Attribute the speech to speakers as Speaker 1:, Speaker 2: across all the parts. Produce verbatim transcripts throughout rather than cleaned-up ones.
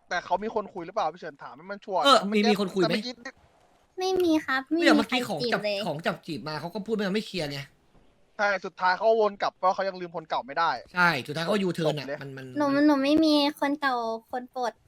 Speaker 1: แต่เขามีคนคุยหรือเปล่าพี่เฉินถามให้มันชัวร์
Speaker 2: เออมีมีคนคุยไหม
Speaker 3: ไม่มีครับไม่
Speaker 2: เนี่ย
Speaker 3: มี
Speaker 2: เมื่อ
Speaker 3: ใคร
Speaker 2: กี้ของ
Speaker 3: จีบ
Speaker 2: จับ
Speaker 3: เลย
Speaker 2: ของจับจีบมาเขาก็พูดไม่ไม่เคลียร์ไง
Speaker 1: ใช่สุดท้ายเขาวนกลับเพราะเขายังลืมคนเก่าไม่ได้
Speaker 2: ใช่สุดท้ายเขายูเทิร์นอ่ะ
Speaker 1: จบเลย
Speaker 2: มันมัน
Speaker 3: หนูหนูไม่มีคนเก่าคนโปรด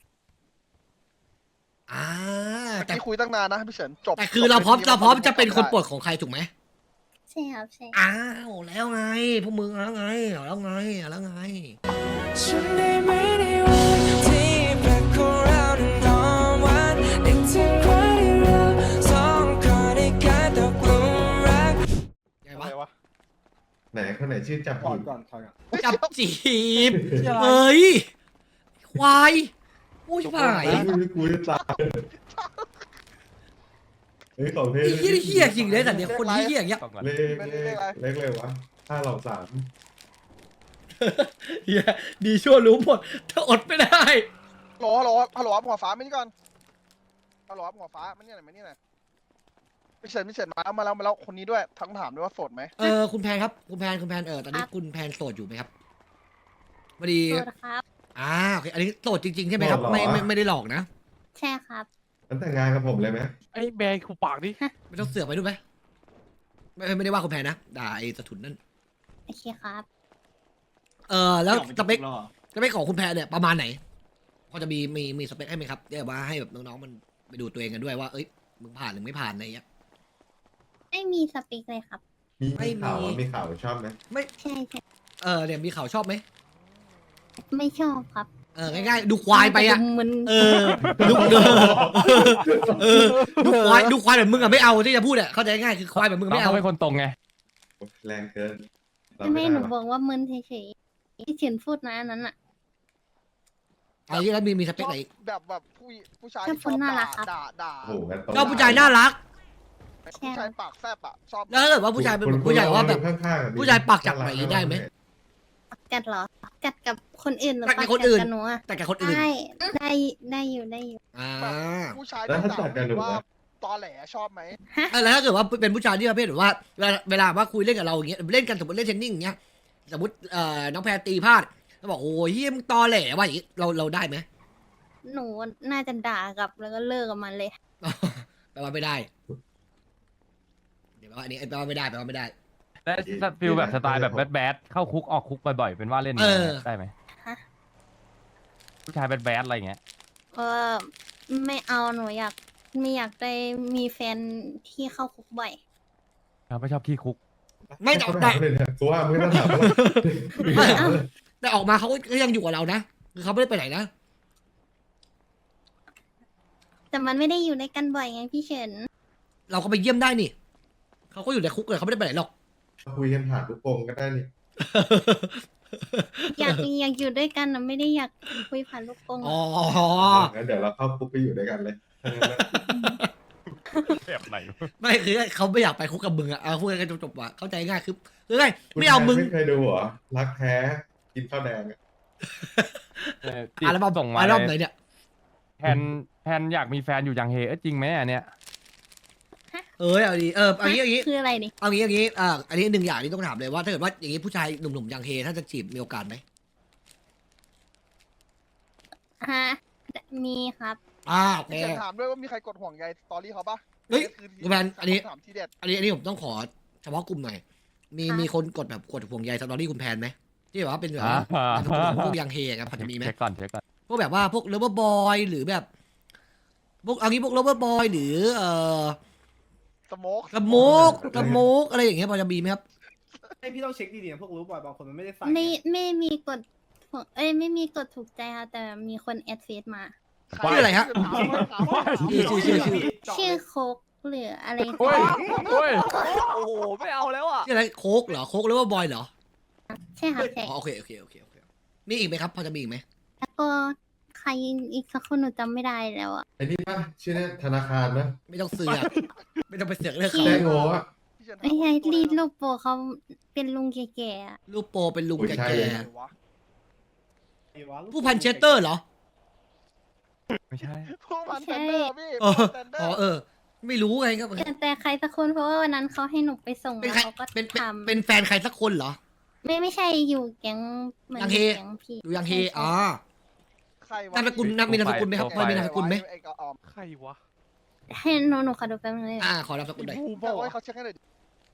Speaker 2: อ่า
Speaker 1: เมื่อ
Speaker 2: แต่
Speaker 1: กี้คุยตั้งนานนะพี่เฉินจบ
Speaker 2: แต่คือเราพร้อม
Speaker 1: จบ
Speaker 2: เราพร้อมจะเป็นคน
Speaker 1: ได้
Speaker 2: โปรดของใครถูกไหม
Speaker 3: ใช่ครับใช่
Speaker 2: อ้าวแล้วไงพวกมึงแล้วไงเอาแล้วไงเอาแล้วไง
Speaker 4: ฉันได้ไม่ได้วันที่แปลกของเรานั้นนอนวันนึกถึงวันที่เราสองคนได้กลายตกหลุมรัก
Speaker 2: ไง
Speaker 1: อะไร
Speaker 2: วะ
Speaker 1: วะ
Speaker 5: ไหนคนไหนชื่อจับ
Speaker 6: ก่อ
Speaker 5: ผิ
Speaker 6: น
Speaker 5: ด
Speaker 6: ก่อนถอยก่อน
Speaker 2: จับจีบ
Speaker 6: ชื่ออะไร
Speaker 2: เอ้ยควายโอ้ยผ่าย
Speaker 5: ไอ้กูกูจะตายเฮ้ยของเท่
Speaker 2: ไอ้เหี้ยเหี้ยจริงเลยแต่เนี่ยคนเหี้ยอย่างเงี้ย
Speaker 5: เลขเลขเลขเลยวะห้าเหล่าสาม
Speaker 2: เหี้ยดีชั่วรู้หมดถ้าอดไม่ได้
Speaker 1: ฮัลโหลฮัลโหลฮัลโหลหัวฟ้ามานี่ก่อนฮัลโหลหัวฟ้ามานี่หน่อยมานี่หน่อยพี่เฉินพี่เฉินมาแล้วมาแล้วมาแล้วคนนี้ด้วยทั้งถามด้วยว่าโสดไหม
Speaker 2: เออคุณแพนครับคุณแพนคุณแพนเออตอนนี้คุณแพนโสดอยู่ไหมครับพอดี
Speaker 3: โปรดครับ
Speaker 2: อ่าโอเคอันนี้โสดจริงๆใช่ไหมครับไม่ไม่ไม่ได้หลอกนะ
Speaker 3: ใช่ครับ
Speaker 5: งั้นแต่งงานกับผมเลยไหม
Speaker 6: ไอ้แบร์คูปากดิ
Speaker 2: ไม่ต้องเสือกไปด้วยไหมไม่ไม่ได้ว่าคุณแพนนะด่าไอ้สะทุนนั่น
Speaker 3: โอเคครับ
Speaker 2: เออแล้วสเปคสเปคของคุณแพนเนี่ยประมาณไหนพอจะมีมีมีสเปคให้ไหมครับเดี๋ยวว่าให้แบบน้องๆมันไปดูตัวเองกันด้วยว่าเอ้ยมึงผ่านหรือไม่ผ่านอะไรอย่างเงี้ย
Speaker 3: ไม่มีสเปคเลยครับ
Speaker 5: มี
Speaker 2: ไม่มี
Speaker 5: ข่าวว่ามีข่าวชอบไหม
Speaker 3: ใช่ใช่
Speaker 2: เออเนี่ยมีข่าวชอบไหม
Speaker 3: ไม่ชอบครับ
Speaker 2: เออง่ายๆดูควายไปอ่ะ
Speaker 3: มัน
Speaker 2: เออดูเออเออดูควายดูควายแบบมึงอะไม่เอาที่จะพูดอะเข้าใจง่ายคือควายแบบมึง
Speaker 6: เรา
Speaker 2: ไม่เอา
Speaker 6: เป็นคนตรงไง
Speaker 5: แรงเกินรับ
Speaker 3: ไม่
Speaker 5: ด้
Speaker 3: หนู
Speaker 5: วะ
Speaker 3: บอกว่ามึนเฉยๆที่เฉินพูดนะอันนั้นอ่ะ
Speaker 2: ไอ้ที่แล้วมีมีสเปคไหนอีก
Speaker 1: แบบแบบผู้ผู้ชาย
Speaker 3: ชอบ
Speaker 1: ที่
Speaker 3: คนน่ารักครับ
Speaker 1: ด่าด่า
Speaker 5: โอ้โหงั้นต้อง
Speaker 2: ชอบผู้ชายน่ารัก
Speaker 1: ผู้ชายปากแซบอ่ะชอบ
Speaker 2: แล้วถ้าเกิดว่าผู้ชายเป็น
Speaker 5: คุณ
Speaker 2: ผู้ชายว่าแบบ
Speaker 5: ข้างๆอะมี
Speaker 2: ผู้ชายปากจัดหน่อยได้ไหม
Speaker 3: กัดเหรอ กัดกับคนอื่นหรือ
Speaker 2: กัดกับ
Speaker 3: ปะ
Speaker 2: คนอื่น
Speaker 3: กัดกับหนูอะ
Speaker 2: แต่กับคนอื่น
Speaker 3: ได้ได้ได้อยู่ได้อยู่
Speaker 2: อ่า
Speaker 1: ผู้ชาย
Speaker 5: แล้ว
Speaker 1: ที่
Speaker 5: ถ้า
Speaker 1: ด่า
Speaker 5: จัดกันหนู
Speaker 1: ว่า
Speaker 5: อะ
Speaker 1: ตอแหลชอบไหม
Speaker 2: เออแล้วถ้าเกิดว่าเป็นผู้ชายที่ประเภทแบบว่าเวลาเวลาว่าคุยเล่นกับเราอย่างเงี้ยเล่นกันสมมติเล่นเทนนิ่งอย่างเงี้ยสมมติเอ่อน้องแพรตีพลาดแล้วบอกโอ้ยเฮียมึงตอแหลว่ะอย่างงี้เราเราได้ไหม
Speaker 3: หนูน่าจะด่ากลับแล้วก็เลิกกับมันเลย
Speaker 2: แปลว่าไม่ได้ เดี๋ยวแปลว่าอันนี้แปลว่าไม่ได้แปลว่าไม่ได้
Speaker 6: และฟิลแบบสไตล์แบบแบดแบดเข้าคุกออกคุกบ่อยๆเป็นว่าเล่น
Speaker 2: เออ
Speaker 6: ได้ไหม
Speaker 3: ฮะ
Speaker 6: ผู้ชายแบดแบดอะไรเงี้ย
Speaker 3: ก็ไม่เอาหนูอยากไม่อยากได้มีแฟนที่เข้าคุกบ่อย
Speaker 6: เราไม่ชอบขี้คุก
Speaker 2: ไม่แต่
Speaker 5: เขา
Speaker 2: แต่
Speaker 5: ถามเลยเนี่ยกูว่าไม่ต้องถามว่า
Speaker 2: ไม่แต่ออกมาเขาก็ยังอยู่กับเรานะคือเขาไม่ได้ไปไหนนะ
Speaker 3: แต่มันไม่ได้อยู่ในกันบ่อยไงพี่เฉิน
Speaker 2: เราก็ไปเยี่ยมได้นี่เขาก็อยู่ในคุกเลยเขาไม่ได้ไปไหนหรอก
Speaker 5: คุยกันผ่านลูกโป่งก็ได้นี่
Speaker 3: อยากอยากอยู่ด้วยกันนะไม่ได้อยากคุยผ่านลูกโป่ง
Speaker 2: อ๋อ
Speaker 5: งั้นเดี๋ยวเราเข้าคุกไปอยู่ด้วยกันเลยถ้างั้นนะ
Speaker 6: แบบไหน
Speaker 2: ไม่คือเขาไม่อยากไปคุกกับมึงอะเอาพูดกันจบๆว่ะเข้าใจง่ายคือคือไงไม่เอามึง
Speaker 5: ไม่เคยดูเหรอรักแท้กินข้าวแดงอะ
Speaker 2: อัลบั้ม
Speaker 6: ส่งมา
Speaker 2: อัล
Speaker 6: เล
Speaker 2: บั้มไหน
Speaker 6: ย
Speaker 2: เนี่ย
Speaker 6: แพนแพนอยากมีแฟนอยู่ยังเฮเอ้ยจริงไหมอันเนี้ย
Speaker 2: เออเอาดีเออเอางี้เอางี้
Speaker 3: คืออะไรนี่
Speaker 2: เอางี้เอางี้อ่าอันนี้หนึ่งอย่างที่ต้องถามเลยว่าถ้าเกิดว่าอย่างนี้ผู้ชายหนุ่มๆอย่างเฮถ้าจะจีบมีโอกาสไหม
Speaker 3: ฮะมีครับ
Speaker 2: อ่าโอเค
Speaker 1: พี่เฉินถามด้วยว่ามีใครกดห่วงใยสตอรี่เขาปะ
Speaker 2: เฮ้ย
Speaker 1: คือ
Speaker 2: คุณแมนอันนี้
Speaker 1: คำถามที่เด็ด
Speaker 2: อันนี้อันนี้ผมต้องขอเฉพาะกลุ่มหน่อยมี
Speaker 3: ค่ะ
Speaker 2: มีคนกดแบบกดห่วงใยสตอรี่คุณแพนไหมที่แบบว่าเป็นแบบ
Speaker 6: อ่า
Speaker 2: ว่านามสกุลของพวกยังเฮครับพอจะมีไหม
Speaker 6: เช็คก่อนเช็คก่อน
Speaker 2: พวกแบบว่าพวกเลเวอร์บอยหรือแบบพวกเอางี้พวกเลเวอร์บอยหรือเอ่อ
Speaker 1: สโมก
Speaker 2: กระโมกกระโมกอะไรอย่างเงี้ยพอจะมีไหมครับ
Speaker 7: ไอพี่ต้องเช็คดีๆนะพวกรู้บ่อยบางคนมันไม่ได้ใส่
Speaker 3: ไม่ไม่มีกดเอ้ยไม่มีกดถูกใจค่ะแต่มีคนแอดเฟซมา
Speaker 2: ชื่ออะไรฮะ
Speaker 1: ถามว่าถามว่า
Speaker 2: ชื่อชื่อชื่อชื่อ
Speaker 3: ชื่อโคกหรืออะไร
Speaker 6: โอ้ยโอ้ย
Speaker 8: โอ้โห ไม่เอาแล้วอ่ะ
Speaker 2: ชื่ออะไรโคกเหรอโคกเลเวอร์บอยเหรอ
Speaker 3: ใช่ค่ะใช่
Speaker 2: อ๋อโอเคโอเคโอเคโอเคมีอีกไหมครับ พอจะมีอีกไหม
Speaker 3: แล้วก็ใครอีกสักคนหนูจำไม่ได้แล้วอ่ะ
Speaker 5: ไอ้นี่ป่ะชื่อเนี่ยธนาคารนะ
Speaker 2: ไม่ต้องเสือกไม่ต้องไปเสือกเรื่อง
Speaker 3: ชื่
Speaker 2: เขา
Speaker 5: แจ้งโง่อะ
Speaker 1: พี่เฉินถา
Speaker 3: ไม่ใช่
Speaker 1: ตัว
Speaker 3: รีด
Speaker 1: เลย
Speaker 3: รูปโปรเขาเป็นลุงแก่ๆอะ
Speaker 2: รูปโปรเป็นลุง
Speaker 5: อุ้ย
Speaker 2: แก่
Speaker 5: ใช่เลย
Speaker 1: อะไรวะ
Speaker 7: ไอ้วะ
Speaker 2: ๆผู้พันเชสเตอร์เหรอ
Speaker 6: ไม่ใช่
Speaker 1: ผู้พันเซนเดอร์พี่
Speaker 2: เออ
Speaker 1: ผู้พันเซนเดอ
Speaker 2: อ๋อ
Speaker 1: ร์
Speaker 2: เออ ไม่รู้ไงครับ
Speaker 3: แต่แต่ใครสักคนเพราะว่าวันนั้นเขาให้หนูไปส่ง
Speaker 2: เป็น
Speaker 3: แล้ว
Speaker 2: ใคร
Speaker 3: เขาก็
Speaker 2: เป็นเป็น
Speaker 3: ทำ
Speaker 2: เป็นแฟนใครสักคนเหรอ
Speaker 3: ไม่ไม่ใช่อยู่แก๊งเหมือน
Speaker 2: ยังเฮ
Speaker 3: แก๊งพี่
Speaker 2: ดูยังเฮ
Speaker 3: ใช่ใช่
Speaker 2: อ๋อ
Speaker 1: ใครวะ
Speaker 2: นามสกุลนามมีนามสกุลไหมครับพอมีนามสกุลไหม
Speaker 1: ไอ้กระออม
Speaker 8: ใครวะ
Speaker 3: ให้หนูหนูขอดูแป๊บนึงเลย
Speaker 2: อ่าขอนามสกุลหน่อย
Speaker 8: บู
Speaker 1: บอก
Speaker 8: วะ
Speaker 1: ให้เขาเช็คให้หน่อยดิ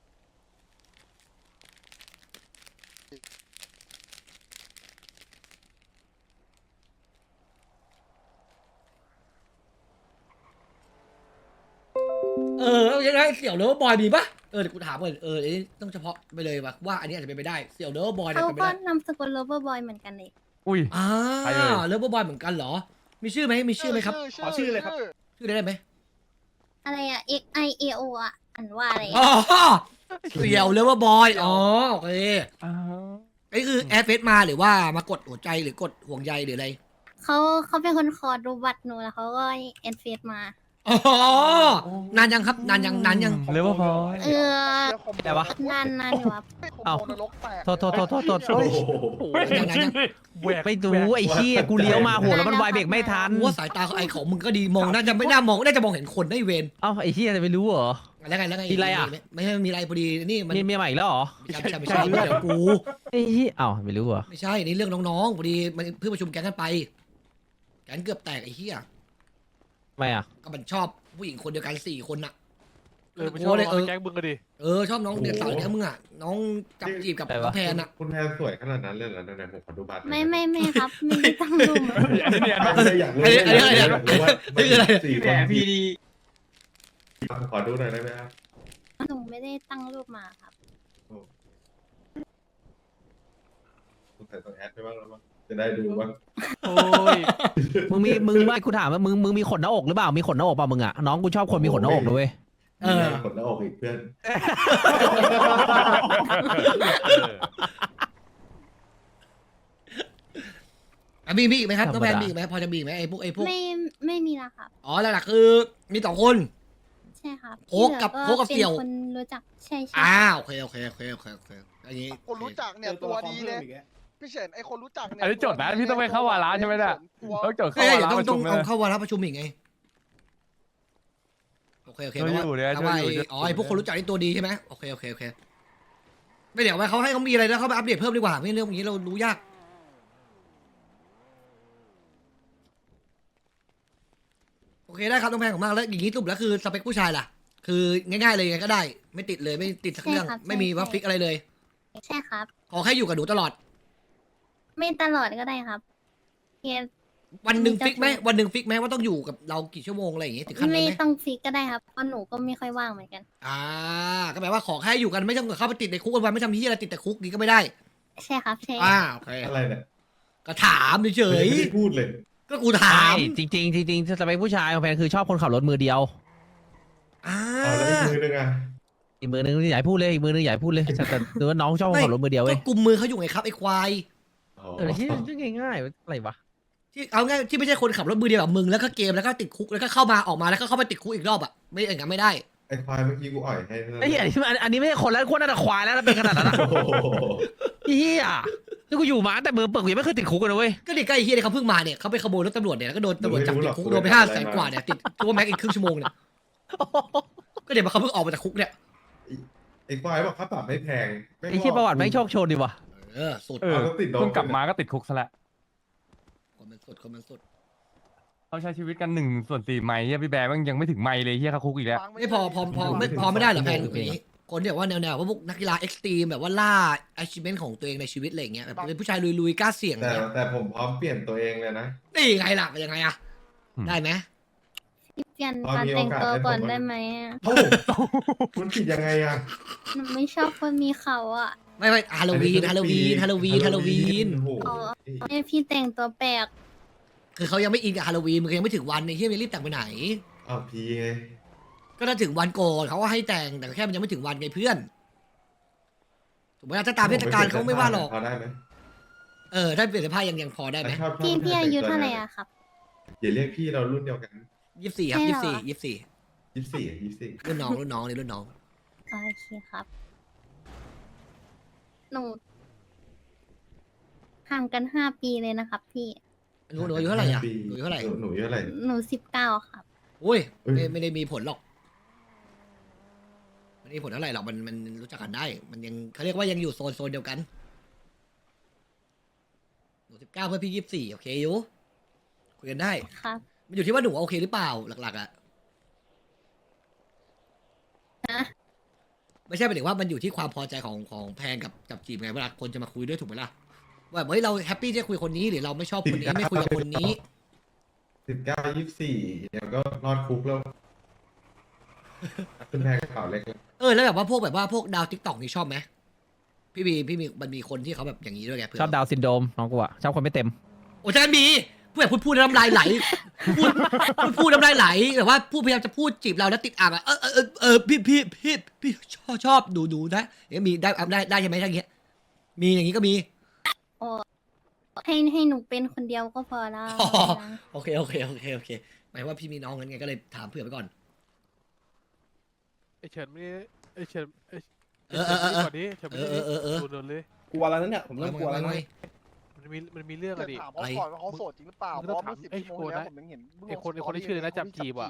Speaker 2: เออยังไงเสี่ยวเลิฟบอยมีปะเออเดี๋ยวกูถามก่อนเอออันนี้ต้องเฉพาะไปเลยว่ะว่าอันนี้อาจจะเป็นไปได้เสี่ยวเลิฟบอยเนี่ย
Speaker 3: เขา
Speaker 2: เป็นไป
Speaker 3: ก็
Speaker 2: ได้
Speaker 3: นามสกุล lover boy เหมือนกันเลย
Speaker 6: อุ้ย
Speaker 2: อ่า
Speaker 6: ใครเอ่ย
Speaker 2: เลิฟบอยเหมือนกันเหรอ มีชื่อไหมมีชื่อไหมครับ
Speaker 7: ขอชื่อเลยครับ
Speaker 2: ชื่อได้ไหม
Speaker 3: อะไรอะ X I A O อะอ่านว่าอะไร
Speaker 2: อ๋
Speaker 3: อะ
Speaker 2: อเสี่ยวเลิฟบอยอ๋อโอเค
Speaker 6: อ้าว
Speaker 2: ไอ้คือแอดเฟซมาหรือว่ามากดหัวใจหรือกดห่วงใยหรืออะไร
Speaker 3: เขาเขาเป็นคนขอดูบัตรหนูแล้วเขาก็แอดเฟซมา
Speaker 2: อ๋อนานยังครับนานยังนานยัง
Speaker 6: เรียกว่าพอ
Speaker 3: เออ
Speaker 1: แต่วะ
Speaker 3: นานนานอยู่ครับ
Speaker 1: เอ้านรกแตก
Speaker 9: โทษโทษโทษโทษโทษ
Speaker 5: โอ้โห
Speaker 2: ยังยังยัง
Speaker 9: ไปดูไอ้เหี้ยกูเลี้ยวมาหัวแล้วมันไวเบรกไม่ทัน
Speaker 2: กูว่าสายตาไอ้ของมึงก็ดีมองน่าจะไม่น่ามองน่าจะมองเห็นคนได้เวร
Speaker 9: เอ้าไอ้เหี้ยจะไปรู้เหรอ
Speaker 2: แล้วไงแล้วไง
Speaker 9: มีอะไรอ่ะ
Speaker 2: ไม่ใช่มีอะไรพอดีนี่มัน
Speaker 9: มีเมียใหม่อีกแล้วเหรอ
Speaker 2: ไม่ใช่ไม่ใช่ไม่ใช่เดี๋ยวกู
Speaker 9: ไอ้เหี้ยเอ้าไม่รู้เหรอ
Speaker 2: ไม่ใช่นี่เรื่องน้องๆพอดีมันเพิ่งประชุมแก๊งกันไปแก๊งเกือบแตกไอ้เหี้ย
Speaker 9: ทำไมอ่ะ
Speaker 2: ก็มันชอบผู้หญิงคนเดียวกันสี่คนน่ะ
Speaker 8: เออไม่ชอบ
Speaker 2: เลย
Speaker 8: เอา
Speaker 2: เอ
Speaker 8: ไป
Speaker 2: อ
Speaker 8: แก๊งมึงก็ดิ
Speaker 2: เออชอบน้องเด็กสาวแก๊งมึงอ่ะน้องจับจีบกับน้องแพนอ่ะ
Speaker 5: คุณแพนสวยขนาดนั้นเลยเหรอไหนๆผมขอดูบัตรหน่อย
Speaker 3: ไม่ไม่ไม่ครับ ไม่ได้ตั้งรูปมา
Speaker 6: อันนี้เนี่ย
Speaker 5: ไม่ได้อยากรู้
Speaker 2: อันนี้อันนี้อะไรเนี่ย
Speaker 5: อยากรู้ว่า
Speaker 2: นี่คืออะไร
Speaker 5: สี่คนพี่ดีขอดูหน่อยได้ไหมครับ
Speaker 3: หนูไม่ได้ตั้งรูปมาครับ
Speaker 5: ใส่ตัวแอดไปบ้างแล้วมั้งจะได้ดูว่า
Speaker 6: โอ้ย
Speaker 9: มึงมีมึงไม่กูถามว่ามึงมึงมีขนหน้าอกหรือเปล่ามีขนหน้าอกเปล่ามึงอ่ะน้องกูชอบคนมีขนหน้าอกนะเว้ย
Speaker 2: เออ
Speaker 5: กดหน้าอกอีกเพื่อน
Speaker 2: อ่ะมีมีอีกไหมครับน้องแพนมีอีกไหมพอจะมีอีกไหมไอ้พวกไอ้พวก
Speaker 3: ไม่ไม่มีละครับ
Speaker 2: อ๋อหลักๆคือมีสองคน
Speaker 3: ใช่ครับ
Speaker 2: โค้กกับ
Speaker 3: ที่หลือ
Speaker 2: โค้กกับเสี่ยว
Speaker 3: เป็นคนรู้จักใช่ใช่
Speaker 2: อ่าโอเคโอเคโอเคโอเคโอเคอันนี้
Speaker 1: คนรู้จักเนี่ย
Speaker 7: เจอ
Speaker 1: ตัว
Speaker 7: ละคร
Speaker 1: ดี
Speaker 7: พิ่
Speaker 1: เล
Speaker 7: ม
Speaker 1: ย
Speaker 7: อีกแล้ว
Speaker 1: พี่เฉินไอ้คนรู้จักเนี่ย
Speaker 6: อันนี้จดนะพี่ต้องไปเข้าวาระใช่ไหมเนี่ย
Speaker 1: ตัว
Speaker 6: ต้องจด
Speaker 2: เฮ้
Speaker 6: เข้าย วา
Speaker 2: เดี๋ยว
Speaker 6: ระ
Speaker 2: ต้อง
Speaker 6: ประ
Speaker 2: ต้อง
Speaker 6: ชุมเล
Speaker 2: เอา
Speaker 6: ย
Speaker 2: เข้าวาระประชุมอีกไงโอเคโอเค
Speaker 6: ช่วย
Speaker 2: แปลว่า
Speaker 6: อยู่เนี่ย
Speaker 2: แปลว่า
Speaker 6: ช่วยอยู่
Speaker 2: ไอ้อ๋อไอ้พวกคนรู้จักนี่ตัวดีใช่ไหมโอเคโอเคโอเคไม่เดี๋ยวไว้เขาให้เขามีอะไรแล้วเขาไปอัปเดตเพิ่มดีกว่าไม่เรื่องอย่างนี้เรารู้ยากโอเคได้ครับน้องแพงของมากแล้วอย่างนี้สรุปแล้วคือสเปคผู้ชายล่ะ คือง่ายๆเลยยังไงก็ได้ ไม่ติดเลยไม่ติดสักเรื่องไม่มีว่าฟิกอะไรเลย
Speaker 3: ใช่ครับ
Speaker 2: ขอแค่อยู่กับหนูตลอด
Speaker 3: ไม่ตลอดก็ได้ครับเพียง
Speaker 2: วันหนึ่งฟิกไหมวันหนึ่งฟิกไหมว่าต้องอยู่กับเรากี่ชั่วโมงอะไรอย่างงี้ถึงขั้นนั้น
Speaker 3: ไม่
Speaker 2: ไหม
Speaker 3: ต้องฟิกก็ได้ครับเพราะหนูก็ไม่ค่อยว่างเหมือนกัน
Speaker 2: อ่าก็แปลว่าขอแค่อยู่กันไม่ต้องเข้าไปติดในคุกวันไม่ทำที่อะไรติดแต่คุกนี้ก็ไม่ได้
Speaker 3: ใช่ครับใช่
Speaker 2: อ่าโอเค
Speaker 5: อะไรเนี่ย
Speaker 2: ก็ถามเฉย
Speaker 5: ไม่ได้พูดเลย
Speaker 2: ๆก็กูถาม
Speaker 9: ใช่จริงจริงๆจริงๆสเปคผู้ชายของแฟนคือชอบคนขับรถมือเดียว
Speaker 2: อ่า
Speaker 5: เอาแล้วอีกมือนึงอ่ะ
Speaker 9: อีกมือนึงอย่าให้พูดเลยอีกมือนึงอย่าให้พูดเลยแต่แต่ดูว่าน้องชอบคนขับรถมือเดียวเว้
Speaker 2: ก็
Speaker 9: ย
Speaker 2: กลุ่มมือเขาอยู่ไงครับไอ้ควาย
Speaker 5: อ๋อ
Speaker 9: เออที่ที่ง่ายๆอะไรวะ
Speaker 2: ที่เอาง่ายที่ไม่ใช่คนขับรถมือเดียวแบบมึงแล้วก็เกมแล้วก็ติดคุกแล้วก็เข้ามาออกมาแล้วก็เข้าไปติดคุกอีกรอบอ่ะไม่อย่างนั้นไม่ได้
Speaker 5: ไอ้ควายเมื่อกี้กูอ่อยให้นั่น
Speaker 9: ไอ้เหี้ยอันนี้มันอันนี้ไม่ใช่คนแล้วคนน่าจะควายแล้วเป็นขนาดนั้นอะ
Speaker 5: โอ้โห
Speaker 9: ไอ้เหี้ยนี่กูอยู่มาตั้งแต่มือเปิดกูยังไม่เคยติดคุกกันเลยเว้ย
Speaker 2: ก็เด็กใกล้เฮียเนี่ยเขาเพิ่งมาเนี่ยเขาไปขโมยรถตำรวจเนี่ยแล้วก็โดนตำรวจจับติดคุกโดนไปห้าแสนกว่าเนี่ยติดตัวแม็กอีกครึ่งชั่วโมงเนี่ยก็เดี๋ยวมาเขาเพิ่งออกมาจากคุกเนี่ย
Speaker 5: ไอ้ควายบอกค่าปรับไม่แพง
Speaker 9: ไอ้เหี้ยประวัติแม่งโชคโชนดีว่ะ
Speaker 2: เออสุด
Speaker 6: เออ
Speaker 5: เอาแล้วติดโดน
Speaker 6: เพิ่งกลับมาก็ติดคุกซะแล้ว
Speaker 2: คนมันสุดคนมันสุด
Speaker 6: เขาใช้ชีวิตกันหนึ่งส่วนสี่ไมล์เฮียพี่แบร์มันยังไม่ถึงไมล์เลยเฮียเขาคุกอีกแล้ว
Speaker 1: ฟัง
Speaker 2: ไม่พอพอพอไม่พอไม่ได้เหรอแพนอย่างนี้คนที่แบบว่าแนวๆว่าพวกนักกีฬาเอ็กซ์ตรีมแบบว่าล่า achievement ของตัวเองในชีวิตอะไรอย่างเงี้ยแบบเป็นผู้ชายลุยๆกล้าเสี่ยง
Speaker 5: แต่
Speaker 2: เนี่ย
Speaker 5: แต่ผมพร้อมเปลี่ยนตัวเองเลยนะ
Speaker 2: นี่ไงล่ะเป็นยังไงอะ
Speaker 6: อืม
Speaker 2: ได้ไหม
Speaker 3: เปลี่ยน
Speaker 5: พอ
Speaker 3: การ
Speaker 5: มี
Speaker 3: แต่ง
Speaker 5: โอกาส
Speaker 3: ตัว
Speaker 5: ให้ผม
Speaker 3: ก่อน
Speaker 5: มา
Speaker 3: ได้ไหมอะ
Speaker 5: เอ้ามันผิดยังไงอ่ะ
Speaker 3: หนูไม่ชอบคนมีเขาอ่ะ
Speaker 2: ไม่ไม่ฮาโลวีนฮาโลวีนฮาโลวีนฮาโลวีน
Speaker 5: โอ้โห
Speaker 3: อ๋อ แม่พี่แต่งตัวแปลก
Speaker 2: คือเขายังไม่อินกับฮาโลวีนมึงยังไม่ถึงวันในที่มันรีบแต่งไปไหน
Speaker 5: อ้าวพีไง
Speaker 2: ก็ถ้าถึงวันก่อนเขาก็ให้แต่งแต่แค่มันยังไม่ถึงวันไงเพื่อนถูกไหมล่ะถ้าตามเทศกาลเขาไม่ว่าหรอก
Speaker 5: พอได้ไหม
Speaker 2: เออถ้าเปลี่ยนเสื้อผ้ายังยังพอได้ไหม
Speaker 5: ชอบชอบ
Speaker 3: พี่พี่อายุ
Speaker 5: แต่งตัว
Speaker 3: เท่าไหร่อะครับ
Speaker 5: อย่าเรียกพี่เรารุ่นเดียวกัน
Speaker 2: ยี่สิบสี่ครับ
Speaker 3: ใช่
Speaker 2: ยี่
Speaker 3: เหร
Speaker 2: สิ
Speaker 3: อ
Speaker 2: บสี่ยี่สิบสี่
Speaker 5: ยี่สิบสี่ยี่สิบสี่
Speaker 2: รุ่นน้องรุ่นน้องนี่รุ่นน้อง
Speaker 3: โอเคครับ หนูห่างกันห้าปีเลยนะครับ พี่
Speaker 2: หนูหนูอายุเท่าไหร่อ่ะหนูอายุเท่าไหร่
Speaker 5: หนูอายุเท่าไหร่
Speaker 3: หนูสิบเก้าครับ
Speaker 2: อุ้ย
Speaker 5: เอ้ย
Speaker 2: ไม่ไม่ได้มีผลหรอกไม่ได้มีผลเท่าไหร่หรอกมันมันรู้จักกันได้ มันยังเขาเรียกว่ายังอยู่โซนโซนเดียวกันหนูสิบเก้าเพื่อนพี่ยี่สิบสี่โอเคอยู่คุยกันได้
Speaker 3: ครับ
Speaker 2: มันอยู่ที่ว่าหนูโอเคหรือเปล่าหลักๆอ่ะ
Speaker 3: นะ
Speaker 2: ไม่ใช่หมายถึงว่ามันอยู่ที่ความพอใจของของแพงกับกับจีบไงเวลาคนจะมาคุยด้วยถูกไหมล่ะว่าเฮ้ยเราแฮปปี้ที่จะคุยคนนี้หรือเราไม่ชอบคนนี้ไม่คุยกับคนนี้
Speaker 5: สิบเก้ายี่สิบสี่เดี๋ยวก็รอดคุกแล้วคุณแพงกระเป๋าเล็กแล้ว
Speaker 2: เออแล้วแบบว่าพวกแบบว่าพวกดาวทิกตอกนี่ชอบไหมพี่มีพี่มีมันมีคนที่เขาแบบอย่างนี้ด้วยไงเพื่
Speaker 9: ชอบดาวน์ซินโดรมน้องกูอะชอบคนไม่เต็ม
Speaker 2: โอ้ใช่มีพูดแบบพูดพูดน้ำลายไหลพูดพูดพูดน้ำลายไหลแบบว่าพูดพยายามจะพูดจีบเราแล้วติดอ่างอ่ะเออเออเออเออพี่พี่พี่พี่ชอบชอบดูดูนะเอ๊ะมีได้ได้ได้ใช่ไหมทั้งเงี้ยมีอย่างนี้ก็มี
Speaker 3: โอ้ให้ให้หนูเป็นคนเดียวก็พอแล้ว
Speaker 2: อ๋อ
Speaker 3: นะ
Speaker 2: โอเคโอเคโอเคโอเคหมายว่าพี่มีน้องกันไงก็เลยถามเผื่อไปก่อน
Speaker 8: ไอเฉินไม่ไอเฉินไอ
Speaker 2: เออเออเออเออ
Speaker 8: ก่อนนี้เฉินไม่
Speaker 2: เออเออเออ
Speaker 8: โดนโดนเลย
Speaker 7: กลัวแล้วนั่นเนี่ยผมเริ่มกลัวแล้วนะ
Speaker 8: มันมีมันมีเรื่องอะดิ
Speaker 1: ถามเขาก่อนว่าเขาโสดจริงหรือเปล่า
Speaker 8: มึง
Speaker 1: เพ
Speaker 8: ต้อง
Speaker 1: ราะเมื่อสิบ
Speaker 8: ถามไอ้
Speaker 1: ชั่วโมงที่แล้ว
Speaker 8: คนนะ
Speaker 1: ผมยังเห็นมึง
Speaker 8: ไอ้คน
Speaker 1: ลง
Speaker 8: ไอ้คนที่ชื่ออะไรนะจับจีบอะ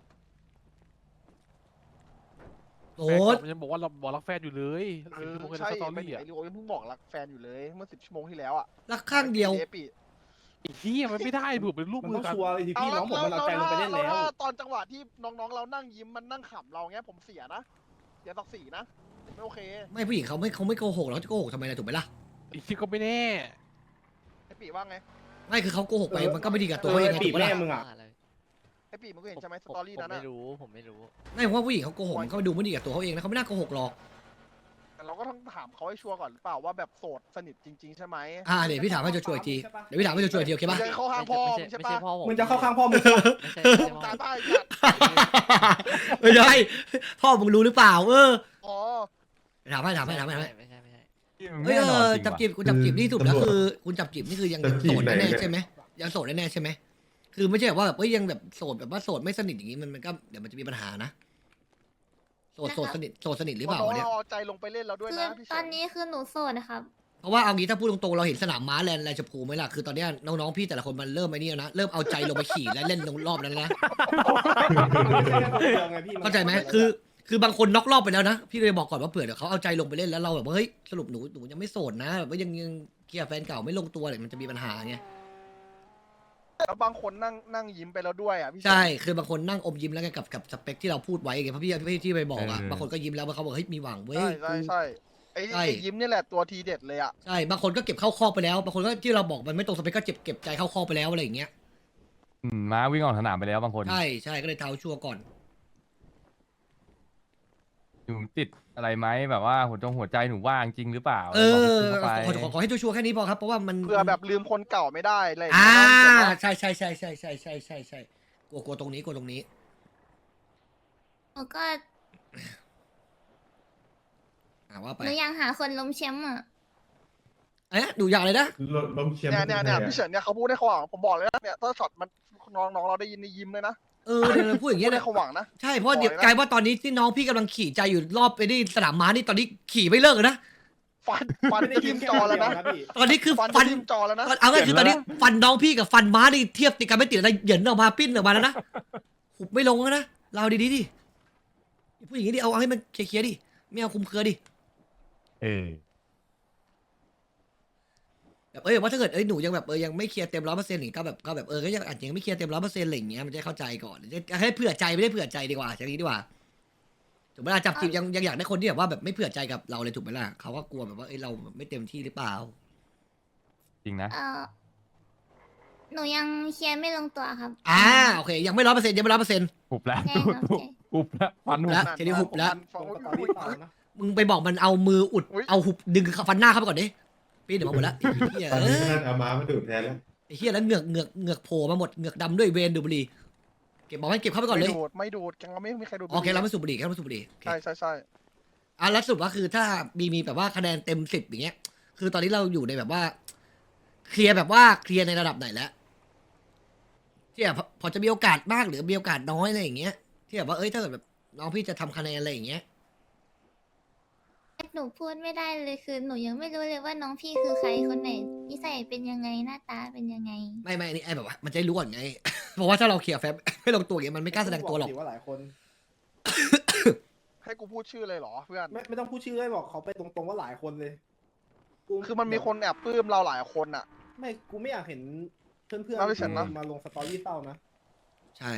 Speaker 2: โส
Speaker 8: แฟน
Speaker 2: ด
Speaker 8: เก่ามันยังบอกว่าเราบอกรักแฟนอยู่เลย
Speaker 1: เอ
Speaker 8: สิบ
Speaker 1: อ
Speaker 8: ชั่วโมงใน
Speaker 1: ใช่
Speaker 8: สตอ
Speaker 1: ไอ้
Speaker 8: รี่อะ
Speaker 1: ไอ้ลิโอยังเพิ่งบอกรักแฟนอยู่เลยเมื่อสิบชั่วโมงที่แล้วอ่ะ
Speaker 2: รักข้างเดียว
Speaker 1: เอปี
Speaker 8: ไอ้เหี้ยมันไม่ได้เผื่อเป็นรูป
Speaker 7: มัน
Speaker 8: มื
Speaker 7: ต้
Speaker 8: อ
Speaker 7: อง
Speaker 8: กัน
Speaker 7: ชัวร์เลยทีพี่น้องผมมันเอาใจลงไปเล่น
Speaker 1: แล้
Speaker 7: แล้ว ว
Speaker 1: ถ้าตอนจังหวะที่น้องๆเรานั่งยิ้มมันนั่งขำเราเงี้ยผมเสียนะเสียศักดิ์ศรีนะไม่โอเค
Speaker 2: ไม่ผู้หญิงเขาไม่เขาไม่โกหกเราจะโกหกทำไมล่ะถูกไหมล่ะ
Speaker 8: ไอ้ที่ก็ไม่แน่
Speaker 1: ไอ้ปีว่าไง
Speaker 2: ไม่คือเขาโกหกไป
Speaker 7: เออ
Speaker 2: มันก็ไม่ดีกับ
Speaker 7: เอ
Speaker 2: ตัว
Speaker 7: อ
Speaker 2: เขาเอง
Speaker 7: ไอ้
Speaker 2: ไง
Speaker 7: ปี
Speaker 2: ถูกไหม
Speaker 7: แม่
Speaker 2: ล่ะ
Speaker 7: มึงอ่ะ
Speaker 1: ไอ้ปีมึงก็เห็นใช่ไหมสตอรี่นั้น
Speaker 8: ผม
Speaker 1: อะ
Speaker 8: ไม่รู้ผมไม่รู้
Speaker 2: ไม่ผมว่าผู้หญิงเขาโกหกมันก็ดูไม่ดีกับตัวเขาเองนะเขาไม่น่าโกหกหรอก
Speaker 1: แต่เราก็ต้องถามเขาให้ชัวร์ก่อนหรือเปล่าว่าแบบโสดสนิทจริงๆใช่ไหม
Speaker 2: อ่าเดี๋ยวพี่ถามให้ชัวร์ๆอีกทีเดี๋ยวพี่ถามให้ชัวร์ๆอีกทีโอเค
Speaker 1: มึ
Speaker 2: ปะ
Speaker 1: งจะเข้าข้างพ่อมึงใช่
Speaker 8: ไม่
Speaker 1: ปะ
Speaker 8: ใช่พ่อผม
Speaker 7: มึงจะเข้าข้างพ่อมึงใช่ปะ
Speaker 8: ไม่ใช่ไม่ใช่
Speaker 1: มึง
Speaker 8: พ่อ
Speaker 1: ตายบ้าไอ้สัตว์
Speaker 2: ไม่ใช่พ่อมึงรู้หรือเปล่า เออ
Speaker 1: อ๋อ
Speaker 2: ถามให้ถามให้ถามให้ถามให้
Speaker 8: ไม่ใช่ไม่ใช่
Speaker 2: เฮ้ย
Speaker 6: แน่
Speaker 2: เอน
Speaker 6: อน
Speaker 2: อ
Speaker 6: จริง
Speaker 2: จับ
Speaker 6: ว่ะ
Speaker 2: จีบคุณจับจีบนี่สุดแล้วคือคุณจับจีบนี่คือยังยังโสดแน่ๆใช่ไหมยังโสดแน่ๆใช่ไหมคือไม่ใช่แบบว่าแบบเอ้ยยังแบบโสดแบบว่าโสดไม่สนิทอย่างนี้มันมันก็เดี๋ยวมันจะมีปัญหานะโสดโสดสนิทโสดสนิทหรือเปล่า
Speaker 1: น้อง
Speaker 2: เนี่ย
Speaker 1: เราเอาใจลงไปเล่นแล้วด้วย
Speaker 3: คือ
Speaker 1: นะพี่
Speaker 3: ต
Speaker 1: เฉิ
Speaker 3: อน นนี้คือหนูโสดนะครับ
Speaker 2: เพราะว่าเอางี้ถ้าพูดตรงๆเราเห็นสนามม้าแลนด์แลนด์ชมพูไหมล่ะคือตอนเนี้ยน้องๆพี่แต่ละคนมันเริ่มไอ้นี่แล้วนะเริ่มเอาใจลงไปขี่และเล่นลงรอบนั้นแล้วนะ เข้าใจไหมคือ คือบางคนน็อกรอบไปแล้วนะ พี่เลยบอกก่อนว่าเผื่อเดี๋ยวเขาเอาใจลงไปเล่นแล้วเราแบบว่าเฮ้ยสรุปหนูหนูยังไม่โสดนะแบบว่ายังยังเคลียร์แฟนเก่าไม่ลงตัวเลยมันจะมีปัญหาไง
Speaker 1: แล้วบางคนนั่งนั่งยิ้มไปแล้วด้วยอ่ะพี่เฉิน
Speaker 2: ใช่คือบางคนนั่งอมยิ้มแล้วไงกับกับสเปคที่เราพูดไว้ไงเพราะพี่พี่ที่ไปบอกอ่ะ
Speaker 6: เออ
Speaker 2: บางคนก็ยิ้มแล้วเขาบอกเฮ้ยมีหวังเว้ย
Speaker 1: ใช่ใช่ใช่ไอ้
Speaker 2: ใช่
Speaker 1: ไอ้ยิ้มนี่แหละตัวทีเด็ดเลยอ่ะ
Speaker 2: ใช่บางคนก็เก็บเข้าคอกไปแล้วบางคนก็ที่เราบอกมันไม่ตรงสเปคก็เก็บเก็บใจเข้าคอกไปแล้วอะไรอย่างเงี้ย
Speaker 6: อืมม้าวิ่งออกสนามไปแล้วบางคน
Speaker 2: ใช่ใช่ก็เลยเท้าชัวร์ก่อน
Speaker 6: อยู่ติดอะไรไหมแบบว่าหัวจงหัวใจหนูว่างจริงหรือเปล่า
Speaker 2: เออ
Speaker 6: บอก
Speaker 2: ขอ
Speaker 6: ไป
Speaker 2: ขอขอขอให้ชัวร์ๆแค่นี้พอครับเพราะว่ามัน
Speaker 1: เพื่อแบบลืมคนเก่าไม่ได้อะไรอย่าง
Speaker 2: อ่า
Speaker 1: เงี้ย
Speaker 2: ใช่ใช่ใช่ใช่ใช่ใช่ใช่ใช่กลัวกลัวตรงนี้กลัวตรงนี้
Speaker 3: หนูก็
Speaker 2: อ่าว่าไป
Speaker 3: หนูอยากหาคนล้มแชมป์อ่ะ
Speaker 2: เอ๊ะดูอย่างเลยนะ
Speaker 5: ลมลมเชียร์
Speaker 1: เนี่ยเนี่ยเนี่ย
Speaker 5: ไม่
Speaker 1: พี่
Speaker 5: ใช่
Speaker 1: เฉินเนี่ยเขาพูดให้เขาหวังผมบอกเลยนะเนี่ยถ้าช็อตมันน้องน้องเราได้ยินในยิ้มเลยนะ
Speaker 2: เออเดี๋ยวเราพูดอย่าง
Speaker 1: พู
Speaker 2: เงี้
Speaker 1: ด
Speaker 2: ย
Speaker 1: ให้
Speaker 2: นะ
Speaker 1: เขาหวังนะ
Speaker 2: ใช่เพราะเดี๋ยว
Speaker 1: บอกเลยนะ
Speaker 2: กลายว่าตอนนี้ที่น้องพี่กำลังขี่ใจอยู่รอบไปที่สนามม้านี่ตอนนี้ขี่ไม่เลิกเลยนะ
Speaker 1: ฟันฟัน
Speaker 7: ไม่ได้
Speaker 1: จะ
Speaker 7: ยิ้
Speaker 1: ทิ่
Speaker 7: ม
Speaker 1: ม
Speaker 7: แค่
Speaker 1: จอแล้วนะ
Speaker 7: เดียพี่
Speaker 2: ตอนนี้คือ
Speaker 1: ฟัน
Speaker 2: ฟั
Speaker 1: จะ
Speaker 2: น
Speaker 1: ทิ่มจอแล้วนะ
Speaker 2: เอาง่ายคือตอนนี้ฟันน้องพี่กับฟันม้านี่เทียบติดกันไม่ติดอะไรเหยินออกมาปิ้นออกมาแล้วนะหุบไม่ลงแล้วนะเราดีๆดิผู้หญิงนี่ดิเอาเอาให้มันเคลียร์ๆดิไม่เอาคุมเครือดิ
Speaker 6: เออ
Speaker 2: แบบเอ้ยว่าถ้าเกิดเอ้ยหนูยังแบบเออยังไม่เคลียร์เต็มร้อยเปอร์เซ็นต์หรือก็แบบก็แบบเออก็ยังอาจจะยังไม่เคลียร์เต็มร้อยเปอร์เซ็นต์อะไรอย่างเงี้ยมันจะได้เข้าใจก่อนจะให้เผื่อใจไม่ได้เผื่อใจดีกว่าอย่างนี้ดีกว่าถูกไหมล่ะจับจีบยังยังอยากได้คนที่แบบว่าแบบไม่เผื่อใจกับเราเลยถูกไหมล่ะเขาก็กลัวแบบว่าเอ้ยเราไม่เต็มที่หรือเปล่า
Speaker 6: จริงนะ
Speaker 3: เออหนูยังเคลียร์ไม่ลงตัวครับ
Speaker 2: อ่าโอเคยังไม่ร้อยเปอร์เซ็นต์ยังไม่ร้อยเปอร์เซ็นต์
Speaker 6: หุบแล้ว
Speaker 3: ใช่ครับ
Speaker 6: หุบ
Speaker 3: ใช่
Speaker 6: หุบแล้วฟันหุบ
Speaker 2: แล้วทีนี้หุบแล้ว
Speaker 1: ฟัน
Speaker 7: ผม
Speaker 1: ฟั
Speaker 7: ก็
Speaker 1: น
Speaker 7: ตอน
Speaker 1: อุ้
Speaker 7: นี้
Speaker 1: ย
Speaker 7: ต่อนะ
Speaker 2: มึงไปบอกมันเอามืออุด
Speaker 1: อุ๊ย
Speaker 2: เอาหุบดึงฟันหน้าเข้าไปก่อนดิปีนเดี๋ยวมาหมดแล้วไอ้เหี้ย
Speaker 5: ตอน
Speaker 2: เอ
Speaker 5: นี้
Speaker 2: อ
Speaker 5: น่าจะเอาม้ามาดูดแทนแล้ว
Speaker 2: ไอ้เหี้ยแล้วเหงือกเหงือกเหงือกโผล่มาหมดเหงือกดำด้วยเวนดูดบุหรี่เก็บบอกให้เก็บเข้าไปก่อนเลย
Speaker 1: ไม่ดูดไม่ดูดแกงเราไม่มีใครดูด
Speaker 2: โอเคเราไม่สูบบุหรี่แค่เราไม่สูบบุหรี่โอเค
Speaker 1: ใช่ใช่ใช่
Speaker 2: อ่ะแล้วสรุปว่าคือถ้ามีมีแบบว่าคะแนนเต็มสิบอย่างเงี้ย คือตอนนี้เราอยู่ในแบบว่า เคลียร์แบบว่าเคลียร์ในระดับไหนแล้วที่แบบพอจะมีโอกาสมากหรือมีโอกาสน้อยอะไรอย่างเงี้ยที่แบบว่าเอ้ยถ้าเกิดแบบน้องพี่จะทำคะแนนอะไรอย่างเงี้ย
Speaker 3: หนูพูดไม่ได้เลยคือหนูยังไม่รู้เลยว่าน้องพี่คือใครคนไหนนิสัยเป็นยังไงหน้าตาเป็นยังไง
Speaker 2: ไม่ไม่อันนี่ไอ้แบบว่ามันจะได้รู้ก่อนไง เพราะว่าถ้าเราเคลียร์แฟบ ไม่ลงตัวอย่างเงี้ยมันไม่กล้าแสดงตัวหรอก
Speaker 7: ว่าหลายคน
Speaker 1: ให้กูพูดชื่อเลยเหรอเพื่อน
Speaker 7: ไม่ไม่ต้องพูดชื่อเลยบอกเขาไปตรงๆว่าหลายคนเลยกู
Speaker 1: คือมันมีคนแอบปลื้มเราหลายคนอ่ะ
Speaker 7: ไม่กูไม่อยากเห็นเพื่อนเพื่อน
Speaker 1: น่าจะเฉินนะ
Speaker 7: มาลงสตอรี่เศร้านะ
Speaker 2: ใช่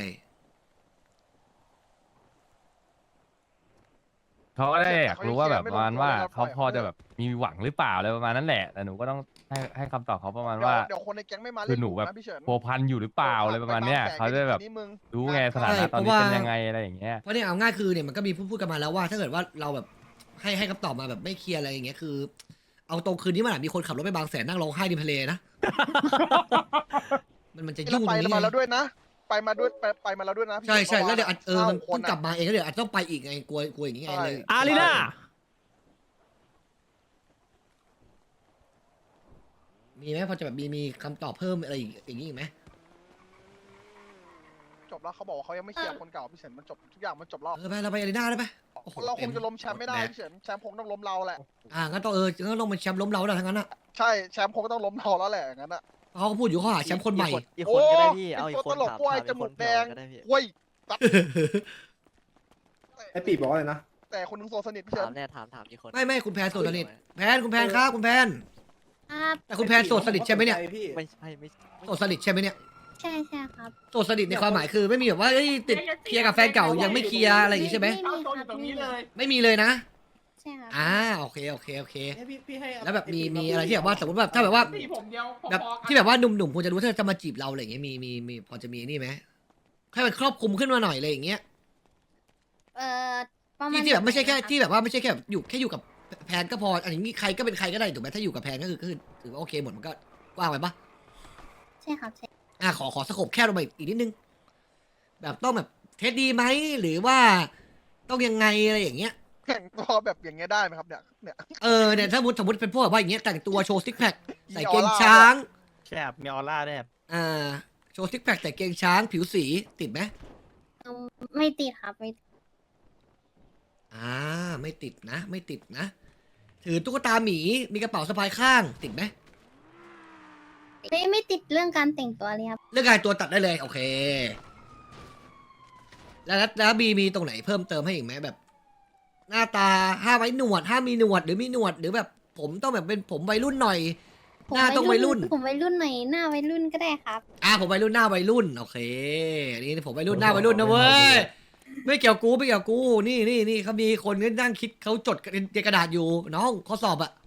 Speaker 6: เขาก็ได้อยากรู้ว่าแบบประมาณว่าเขาพอจะแบบมีหวังหรือเปล่าอะไรประมาณนั้นแหละแต่หนูก็ต้องให้ให้คำตอบเขาประมาณ
Speaker 1: เดี๋ยว
Speaker 6: ว่า
Speaker 1: เดี๋ยวคนในแก๊งไม่มา
Speaker 6: คื
Speaker 1: เล่
Speaker 6: อน หนู
Speaker 1: กลุ่ม
Speaker 6: แบบ
Speaker 1: นะพี่เฉิน
Speaker 6: พัวพันอยู่หรือเปล่าอะไรประมาณเนี้ยเขาจะแบบ
Speaker 1: ทีนี้มึง
Speaker 6: รู้ไงสถานะตอนนี้เป็นยังไงอะไรอย่างเงี้ย
Speaker 2: เพราะเนี่ยเอาง่ายคือเนี่ยมันก็มีพูดพูดกันมาแล้วว่า ถ้าเกิดว่าเราแบบให้ให้คำตอบมาแบบไม่เคลียร์อะไรอย่างเงี้ยคือ เอาตรงคืนนี้มันอาจมีคนขับรถไปบางแสนนั่งร้องไห้ริมทะเลนะ มันมันจะ
Speaker 1: เรา
Speaker 2: ยุ่งต
Speaker 1: ไป
Speaker 2: รงนี้
Speaker 1: มา
Speaker 2: ไง
Speaker 1: แล้วด้วยนะ ไปมาด้วยไปไปมาแล้วด้วยนะพี่
Speaker 2: ใช่ใช่
Speaker 1: ฉิน
Speaker 2: แล้วเดี๋ยวอาจเออมัน
Speaker 1: ก้าค
Speaker 2: ต้อง
Speaker 1: อะ
Speaker 2: กลับมาเองแล้วเดี๋ยวอาจจะต้องไปอีกไงกลัวกลัวอย่างนี้ไง
Speaker 1: ใช่
Speaker 2: เลย
Speaker 9: อารีนา
Speaker 2: มีไหมพอจะแบบมีมีคำตอบเพิ่มอะไรอย่างนี้อีกไหม
Speaker 1: จบแล้วเขาบอกว่าเขายังไม่เคลียร์คนเก่าพี่เฉินมันจบทุกอย่างมันจบแล้ว
Speaker 2: เออไปเราไปอารีนาได้ไหมโอ้โห
Speaker 1: เราคงจะล้มแชมป์ไม่ได้
Speaker 2: แบก
Speaker 1: พี่เฉินแชมป์คงต้องล้มเราแหละ
Speaker 2: อ่างั้นต้องเอองั้นต้องเป็นแชมป์ล้มเราแล้วทั้งนั้นอ่ะ
Speaker 1: ใช่แชมป์คงก็ต้องล้มเราแล้วแหละอย่างนั้นอะ
Speaker 2: เขาก็พูดอยู่เขาหาแชมป์คนใหม่
Speaker 10: อีกคนก็ได้พี่
Speaker 1: โอ้
Speaker 10: เอาอีกคน
Speaker 1: เป็นตัวตลก
Speaker 10: ถาม
Speaker 1: กล้วย
Speaker 10: ถาม
Speaker 1: จมูกแดง
Speaker 10: ก็ได้พี่
Speaker 1: กล้วยตัด
Speaker 7: ไอปีบอกว่าอะไรนะ
Speaker 1: แต่คนหนึงโซสนิทพี่เฉิ
Speaker 10: ถาน มแน่ถามถามอีกคน
Speaker 2: ไม่ไม่คุณแพนโสดสนิทแพนคุณแพนครับคุณแพน
Speaker 3: ครับ
Speaker 2: แต่คุณแพนโสดสนิทใช่ไหมเนี่ย
Speaker 7: พี่
Speaker 10: ไม่ใช่ไม่ใช่
Speaker 2: โสดสนิทใช่ไหมเนี่ย
Speaker 3: ใช่ใช่ครับ
Speaker 2: โสดสนิทในความหมายคือไม่มีแบบว่าเอ้ยติดเคลียร์กับแฟนเก่ายังไม่เคลียร์อะไรอย่างงี้ใช่ไหม
Speaker 3: ไม่มีครับไม่มี
Speaker 2: ไม่มีเลยนะ
Speaker 3: ใช่ครับ
Speaker 2: อ่าโอเคโอเคโอเค
Speaker 7: ให้พี่พี่ให้
Speaker 2: แล้วแบบมี
Speaker 7: อ้ปี
Speaker 2: มี
Speaker 7: พูด
Speaker 2: อะไรที่แบบว่าสมมติแบบถ้าแบบว่า
Speaker 8: ผมเดียว
Speaker 2: แบบที่แบบว่าหนุ่มๆควรจะรู้ถ้าจะมาจีบเราอะไรอย่างเงี้ยมีมีมีพอจะมีนี่ไหมให้มันครอบคลุมขึ้นมาหน่อยอะไรอย่างเงี้ย
Speaker 3: เอ่อประมา
Speaker 2: ที่
Speaker 3: ณ
Speaker 2: ที่แบบไม่ใช่แค่
Speaker 3: หนรับ
Speaker 2: ที่แบบว่าไม่ใช่แค่แบบอยู่แค่อยู่กับแพนก็พออันนี้ใครก็เป็นใครก็ได้ถูกไหมถ้าอยู่กับแพนก็คือก็คือถือว่าโอเคหมดมันก็กว้างไปปะ
Speaker 3: ใช่ครับใช่
Speaker 2: อ่ะขอขอสโคปแค่ลงไปอีกนิดนึง แบบต้องแบบเทสดีไหมหรือว่าต้องยังไงอะไรอย่างเงี้ย
Speaker 1: แข่งตัวแบบอย่างเงี้ยได้ไหมครับเนี่ยเนี่ย
Speaker 2: เออเนี่ยถ้าสมมติสมมติเป็นพวกแบบว่าอย่างเงี้ยแต่งตัวโชว์ซิกแพคใส่เกง
Speaker 1: มีออร่า
Speaker 2: ช้าง
Speaker 10: แคบมีออร่าแนบ
Speaker 2: อ่าโชว์ซิกแพคแต่เกงช้างผิวสีติดไหม
Speaker 3: อืมไม่ติดครับไม่
Speaker 2: อ่าไม่ติดนะ ไม่ติดนะ ถือตุ๊กตาหมีมีกระเป๋าสะพายข้างติดไหม
Speaker 3: ไม่ไม่ติดเรื่องการแต่งตัวเลยครับ
Speaker 2: เรื่องการตัวตัดได้เลยโอเค แล้วแล้วบีมีตรงไหนเพิ่มเติมให้อีกไหมแบบ หน้าตาห้ามไว้หนวดห้ามมีหนวดหรือมีหนวดหรือแบบ ผมต้องแบบเป็นผมวัยรุ่นหน่อย
Speaker 3: ผม
Speaker 2: หน้าต้องวัยรุ่น
Speaker 3: ผมวัยรุ่นหน่อยหน้าวัยรุ่นก็ได้ครับ
Speaker 2: อ่าผมวัยรุ่นหน้าวัยรุ่นโอเคอันนี่ผมวัยรุ่นหน้าวัยรุ่นนะเว้ยไม่เกี่ยวกูไม่เกี่ยวกูนี่นี่นี่เขามีคนนั่งคิดเขาจดในกระดาษอยู่น้องข้อสอบอะ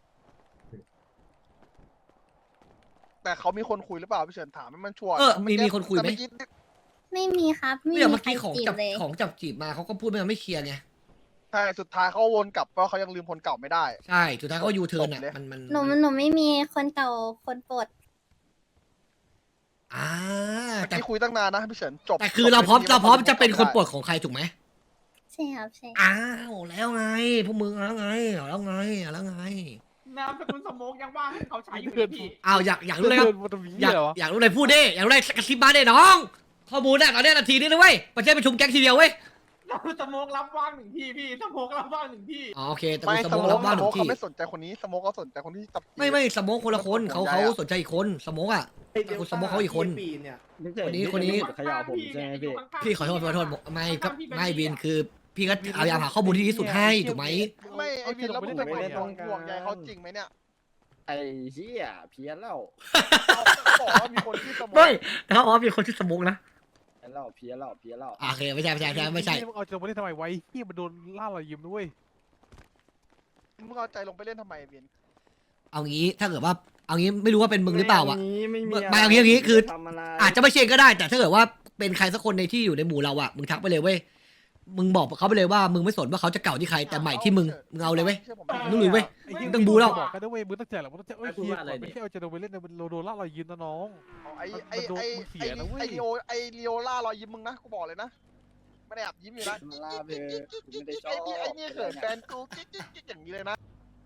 Speaker 1: แต่เขามีคนคุยหรือเปล่าพี่เฉินถามให้มันชัวร์
Speaker 2: เออมีมีคนคุยไหม
Speaker 1: แต่เอกี้
Speaker 3: ไม่มีครับไม่
Speaker 2: เนี่ย
Speaker 3: มี
Speaker 2: เมื่อ
Speaker 3: ใคร
Speaker 2: กี้ของ
Speaker 3: จี
Speaker 2: จั
Speaker 3: บบ เลย
Speaker 2: ของจับจีบมาเขาก็พูดไม่ไม่เคลียร์ไง
Speaker 1: ใช่สุดท้ายเขาวนกลับเพราะเขายังลืมคนเก่าไม่ได้
Speaker 2: ใช่สุดท้ายเขายูเทิร์นอะ
Speaker 1: จบเลย
Speaker 2: มันมัน
Speaker 3: หนูหนูไม่มีคนเก่าคนโปรด
Speaker 2: อ่า
Speaker 1: เมื่อ
Speaker 2: แต่
Speaker 1: กี้คุยตั้งนานนะพี่เฉินจบ
Speaker 2: แต่คือเราพร้อม
Speaker 1: จบ
Speaker 2: เราพร้อมจะเป็นคน
Speaker 1: ได้
Speaker 2: โปรดของใครถูกไหม
Speaker 3: ใช่ครับใช่
Speaker 2: อ้าวแล้วไงพวกมึงเอาแล้วไงเอาแล้วไงเอาแล้วไง
Speaker 8: นามสกุลสมกยังว่างให้เขาใช้อยู่เลยพี่
Speaker 2: อ้าวอยากอยากรู้เลยครับ
Speaker 8: มันจะมี
Speaker 2: อยาก
Speaker 8: เหรอ
Speaker 2: อยากรู้เลยพูดดิอยากรู้เลยกระซิบมาดิน้องข้อมูลเนี่ยตอนนี้นาทีนี้นะเว้ยประเทศประชุมแก๊งทีเดียวเว้ย
Speaker 8: สมกรับว่างหนึ่งที่พี่สมกรับว่างหนึ่งที่
Speaker 2: อ๋อโอเคแต่
Speaker 1: ไม่
Speaker 2: กูส
Speaker 1: ส
Speaker 2: โม
Speaker 1: โม
Speaker 2: ก
Speaker 1: ก
Speaker 2: รับบ้าน
Speaker 1: ส
Speaker 2: ห
Speaker 1: โม
Speaker 2: นึ่
Speaker 1: ก
Speaker 2: งที่
Speaker 1: เขาไม่สนใจคนนี้สโมกเขาสนใจคนที่จับจีบ
Speaker 2: ไม่ไม่สโมกคนละคนเขา
Speaker 1: ห่วงใย
Speaker 2: เขา
Speaker 1: อะ
Speaker 2: สนใจอีกคนสโมกอ่ะ
Speaker 7: ไอ้เดล
Speaker 2: คุณสมมุติเขาอีกคน
Speaker 7: ปีเนี่ย
Speaker 2: คนนี้คนนี้
Speaker 10: เขย่าผมใช่ไหมพี่
Speaker 2: พี่ขอโทษขอโทษบอกไม่ก็ไม่วินคือ พี่ก็พยายามหาข้อมูลที่ดีที่สุดให้ถูกไหม
Speaker 1: ไม่ไอวินแล้วมึงไปบอกห่วงใยเขาจริงไหมเนี่ย
Speaker 10: ไอ้เหี้ยเพี้ยนแล้ว
Speaker 1: เขาบอกว่ามีคนที่สโมก
Speaker 2: ไม่แต่เขาอ๋อมีคนชื่อสโมกนะ
Speaker 10: เพี้ยนแล้วเพี้ยนแล้วเพี้ยนแล้ว
Speaker 2: โอเคไม่ใช่ไม่ใช่ไม่ใช่ไม่ใช่
Speaker 8: มึงเอาจะมาได้ทำไมไว้ที่มันโดนล่ารอยยิ้มด้วย
Speaker 1: มึงเอาใจลงไปเล่นทำไมวิน
Speaker 2: เอางี้ถ้าเกิดว่าเอางี้ไม่รู้ว่าเป็นมึงหรือเปล่าอ่ะ
Speaker 10: ไม่มี
Speaker 2: ไม่เอางี้เอางี้คือ
Speaker 10: ทำอะไร
Speaker 2: อาจจะไม่เชนก็ได้แต่ถ้าเกิดว่าเป็นใครสักคนในที่อยู่ในหมู่เราอ่ะมึงทักไปเลยเว้ยมึงบอกเขาไปเลยว่ามึงไม่สนว่าเขาจะเก่าที่ใครแต่ใหม่ที่มึงมึงเอาเลยเว้ย
Speaker 1: ชื่ผม
Speaker 2: มึงรู้เว้ย
Speaker 8: ไอ้เหี้ย
Speaker 2: ต้องบูแล้ว
Speaker 8: บอกกันด้วยเว้ยมึงต้องแจกแหละมึงต้องแจกเอ้ยเฮียก่อนไม่ใช่เอาจะโดนไปเล่นในโดนล่ารอยยิ้มนะน้อง
Speaker 1: ไอไอ
Speaker 8: มันโดน
Speaker 1: ไอ
Speaker 8: มึงเสี
Speaker 1: ไอย
Speaker 8: นะเว้ย
Speaker 1: ไอลีโอไอลีโอล่ารอยยิ้มมึงนะกูบอกเลยนะไม่ได้แอบยิ้มอยู่นะ
Speaker 10: มาล่าเพลไม่ได้ชอ
Speaker 1: ไอ้
Speaker 10: บ
Speaker 1: นี่ไอ้นี่เขินแฟนกูกิ๊กกิ๊กกิ๊กอย่างนี้เลยนะ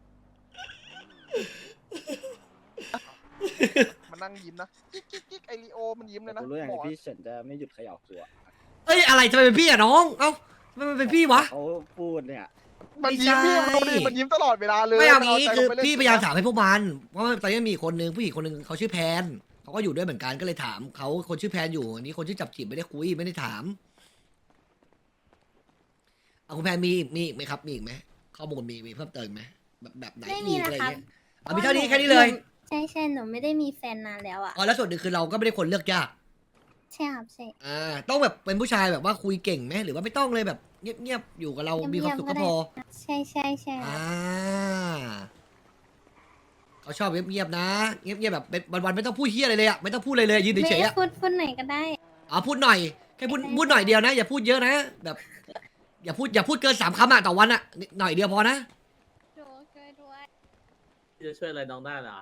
Speaker 1: มันนั่งยิ้มนะกิ๊กกิ๊กกิ๊กไอลีโอมันยิ้มเลยนะ
Speaker 10: กูรู้อย่าง
Speaker 1: บอก
Speaker 10: พี่เฉินจะไม่หยุดเขย่าตัว
Speaker 2: เอ้ยอะไรทำไมเป็นพี่อะน้องเอ้าทำไมมันเป็นพี่วะ
Speaker 10: เขาพูดเนี่ย
Speaker 1: มันยิ้มพี่มันดูดิมันยิ้มตลอดเวลาเลย
Speaker 2: ไม่เอางี้
Speaker 1: ใจ
Speaker 2: คือ
Speaker 1: ลงไปเล่น
Speaker 2: พี่พยายามถามให้พวกมันเพราะว่าตอนนี้มีคนนึงผู้หญิงคนนึงเขาชื่อแพนเขาก็อยู่ด้วยเหมือนกันก็เลยถามเขาคนชื่อแพนอยู่อันนี้คนชื่อจับจีบไม่ได้คุยไม่ได้ถามเอาคุณแพนมีมีอีกไหมครับมีอีกไหมข้อมูลมีมีเพิ่มเติมอีกไหมแบบแบบไหน
Speaker 3: ไม่มี
Speaker 2: อีกอะไร
Speaker 3: นะครับ
Speaker 2: เงี้ยเอามีเท่านี้แค่นี้เลย
Speaker 3: ใช่ใช่หนูไม่ได้มีแฟนนานแล้วอ่ะ
Speaker 2: อ๋อแล้วส่วนหนึ่งคือเราก็ไม่ได้คนเลือกยาก
Speaker 3: ใช่ครับใช่
Speaker 2: อ่าต้องแบบเป็นผู้ชายแบบว่าคุยเก่งไหมหรือว่าไม่ต้องเลยแบบเงียบๆอยู่กับเรามีความสุขก็พอ
Speaker 3: ใช่ใช่ใช่ครั
Speaker 2: อ่า
Speaker 3: บ
Speaker 2: เขาชอบเงียบๆนะเงียบๆแบบเป็นวันๆไม่ต้องพูดเฮียอะไรเลยอะไม่ต้องพูดอะไรเลยยืน
Speaker 3: ไม่
Speaker 2: เฉยๆอะ
Speaker 3: พูดพูดไหนก็ได้
Speaker 2: อ๋อพูดหน่อยแค่พูดพูดหน่อยเดียวนะ อย่าพูดเยอะนะ แบบ อย่าพูดอย่าพูดเกินสามคำอะต่อวันอะหน่อยเดียวพอนะ
Speaker 3: ดูช่วยด้วย
Speaker 10: จะช่วยอะไรน้องได้เหรอ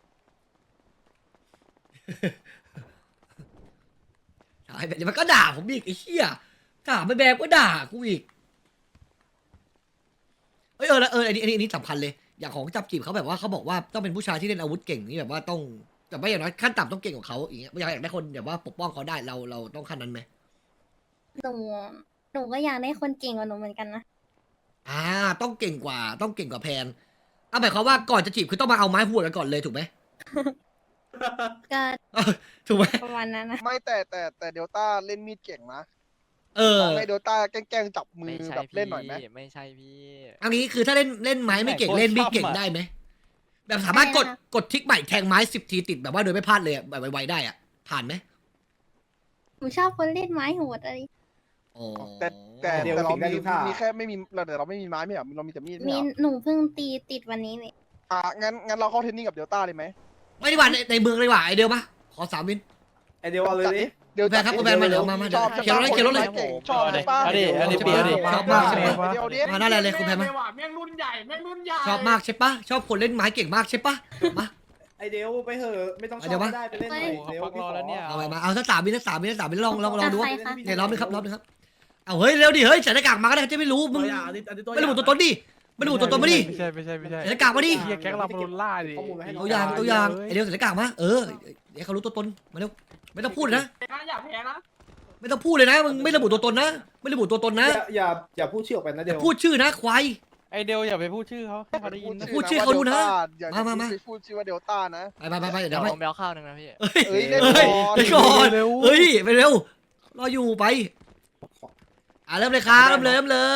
Speaker 2: ใช่แบบนี้มันก็ด่าผมอีกไอ้เหี้ยถามไม่แบบก็ด่ากูอีกเอยเออแล้วเอออันนี้อันนี้อันนี้สำคัญเลย อย่างของจับจีบเขาแบบว่าเขาบอกว่าต้องเป็นผู้ชายที่เล่นอาวุธเก่งนี่แบบว่าต้องแต่ไม่อย่างน้อยขั้นต่ำต้องเก่งกว่าเขาอย่างเงี้ยอยากอยากได้คนแบบว่าปกป้องเขาได้เราเราต้องขั้นนั้นไหม
Speaker 3: หนูหนูก็อยากได้คนเก่งกว่าหนูเหมือนกันนะ
Speaker 2: อ่าต้องเก่งกว่าต้องเก่งกว่าแพนเอาหมายความว่าก่อนจะจีบคือต้องมาเอาไม้หัวกันก่อนเลยถูกไหม
Speaker 3: ก็
Speaker 2: เออถูกไหม
Speaker 3: ประมาณนั้นนะ
Speaker 1: ไม่แต่แต่แต่เดลต้าเล่นมีดเก่งนะ
Speaker 2: เออ
Speaker 1: ลองให้เดลต้าแกล้งๆจับมือแบบเล่นหน่อยไหม
Speaker 11: ไม่ใช่พี่
Speaker 2: อันนี้คือถ้าเล่นเล่นไม้ไม่เก่งเล่นมีดเก่งได้ไหมแบบสามารถกดกดทิกใหม่แทงไม้สิบทีติดแบบว่าโดยไม่พลาดเลยอะแบบไวๆได้อะผ่านไหม
Speaker 3: หนูชอบคนเล่นไม้โหดอะไร
Speaker 2: อ๋อ
Speaker 1: แต่แต่แต่เรามีมีแค่ไม่มีเราแต่เราไม่มีไม้ไม่เหรอเรามีแต่มีดไม่
Speaker 3: มี
Speaker 1: เหรอ
Speaker 3: หนูเพิ่งตีติดวันนี้เลย
Speaker 1: อ่ะงั้นงั้นเราเข้าเทรนนิ่งกับเดลต้าเลยไหม
Speaker 2: ไม่ดีกว่าในในเมืองเลยว่ะไอเดียวปะขอสามวิน
Speaker 7: ไอเดียวเอาเลยดิ
Speaker 1: เดี๋ยว
Speaker 2: แฟนครับคุณแฟนมาเดี๋ยวมามาเดี๋
Speaker 1: ช
Speaker 2: ยว
Speaker 1: อบ
Speaker 2: เขียนรถเลยเขียนรถเลย
Speaker 1: เก่งชอบใช่ปะ
Speaker 11: เอาดิเอาดิเปียดิ
Speaker 2: ชอบมากใช่ปะ
Speaker 1: เดี๋ยวดิ
Speaker 2: มาหน้าอะไรเลยคุณแพนมา
Speaker 10: แม่งรุ่นใหญ่แม่งรุ่นใหญ่
Speaker 2: ชอบมากใช่ปะชอบคนเล่นไม้เก่งมากใช่ปะมา
Speaker 7: ไอเดียวไปเหอะไม่ต้องช
Speaker 2: เดี๋
Speaker 7: อ
Speaker 2: ยว
Speaker 7: บ
Speaker 2: วะ
Speaker 7: ก็ได้ไปเล่นหน่อย
Speaker 11: โอ้โห
Speaker 7: เดี๋ยว
Speaker 11: เขา
Speaker 7: พี่
Speaker 11: รอ
Speaker 7: ขอ
Speaker 11: แล้วเนี่ย
Speaker 2: เอาไปมาเอาสักสามวินสักสามวินสักสามวินลองลองลองดู
Speaker 3: ใครคะ
Speaker 2: เนี่ยรอบนึงครับรอบนึงครับเอาเฮ้ยเร็วดิเฮ้ยใส่หน้ากากมาก็ได้จะไม่รู้มึงไม่ระบุตัวตนดิไม่ระบุตัวตนมาดิ
Speaker 8: ไม่ใช่ไม่ใช่ไม่ใช่
Speaker 2: ใส่หน้ากากมาดิ
Speaker 8: เฮียแก๊งเราโดนล่าดิ
Speaker 7: ข้อมูลไว้ให้น้
Speaker 2: ตัวอย่างตัวอย่างไอเดียวใส่หน้ากากมาเออเดี๋ยวเขารู้ตัวตนมาเร็วไม่ต้องพูดนะ
Speaker 10: อย่าแพ้นะ
Speaker 2: ไม่ต้องพูดเลยนะมึงไม่ระบุตัวตนนะ ไม่ระบุตัวตนนะ
Speaker 7: อย่าอย่าอย่าพูดชื่อออกไปนะ
Speaker 2: อ
Speaker 7: เดี๋ย
Speaker 2: ย่าว พูดชื่อนะควาย
Speaker 11: ไอเดียวอย่าไปพูดชื่อเขาให้เขาได้ยินนะ
Speaker 2: พูดชื่อเขาดูนะ
Speaker 1: อย่า
Speaker 2: มามามา
Speaker 1: พูดชื่อว่าเดลต้านะ
Speaker 2: ไปไปไปไปเดี๋ยว
Speaker 11: เดี๋ยว
Speaker 2: ไป
Speaker 11: ผมไปเอาข้าวหนึ่งนะพี่
Speaker 2: เฮ้ย
Speaker 1: เอ้ยเล่น
Speaker 2: เฮ้ย
Speaker 1: ก่อน
Speaker 2: ไปก่อนเฮ้ยไปเร็วรออยู่ไปอ่ะเริ่มเลยครับเริ่มเลยเริ่มเลย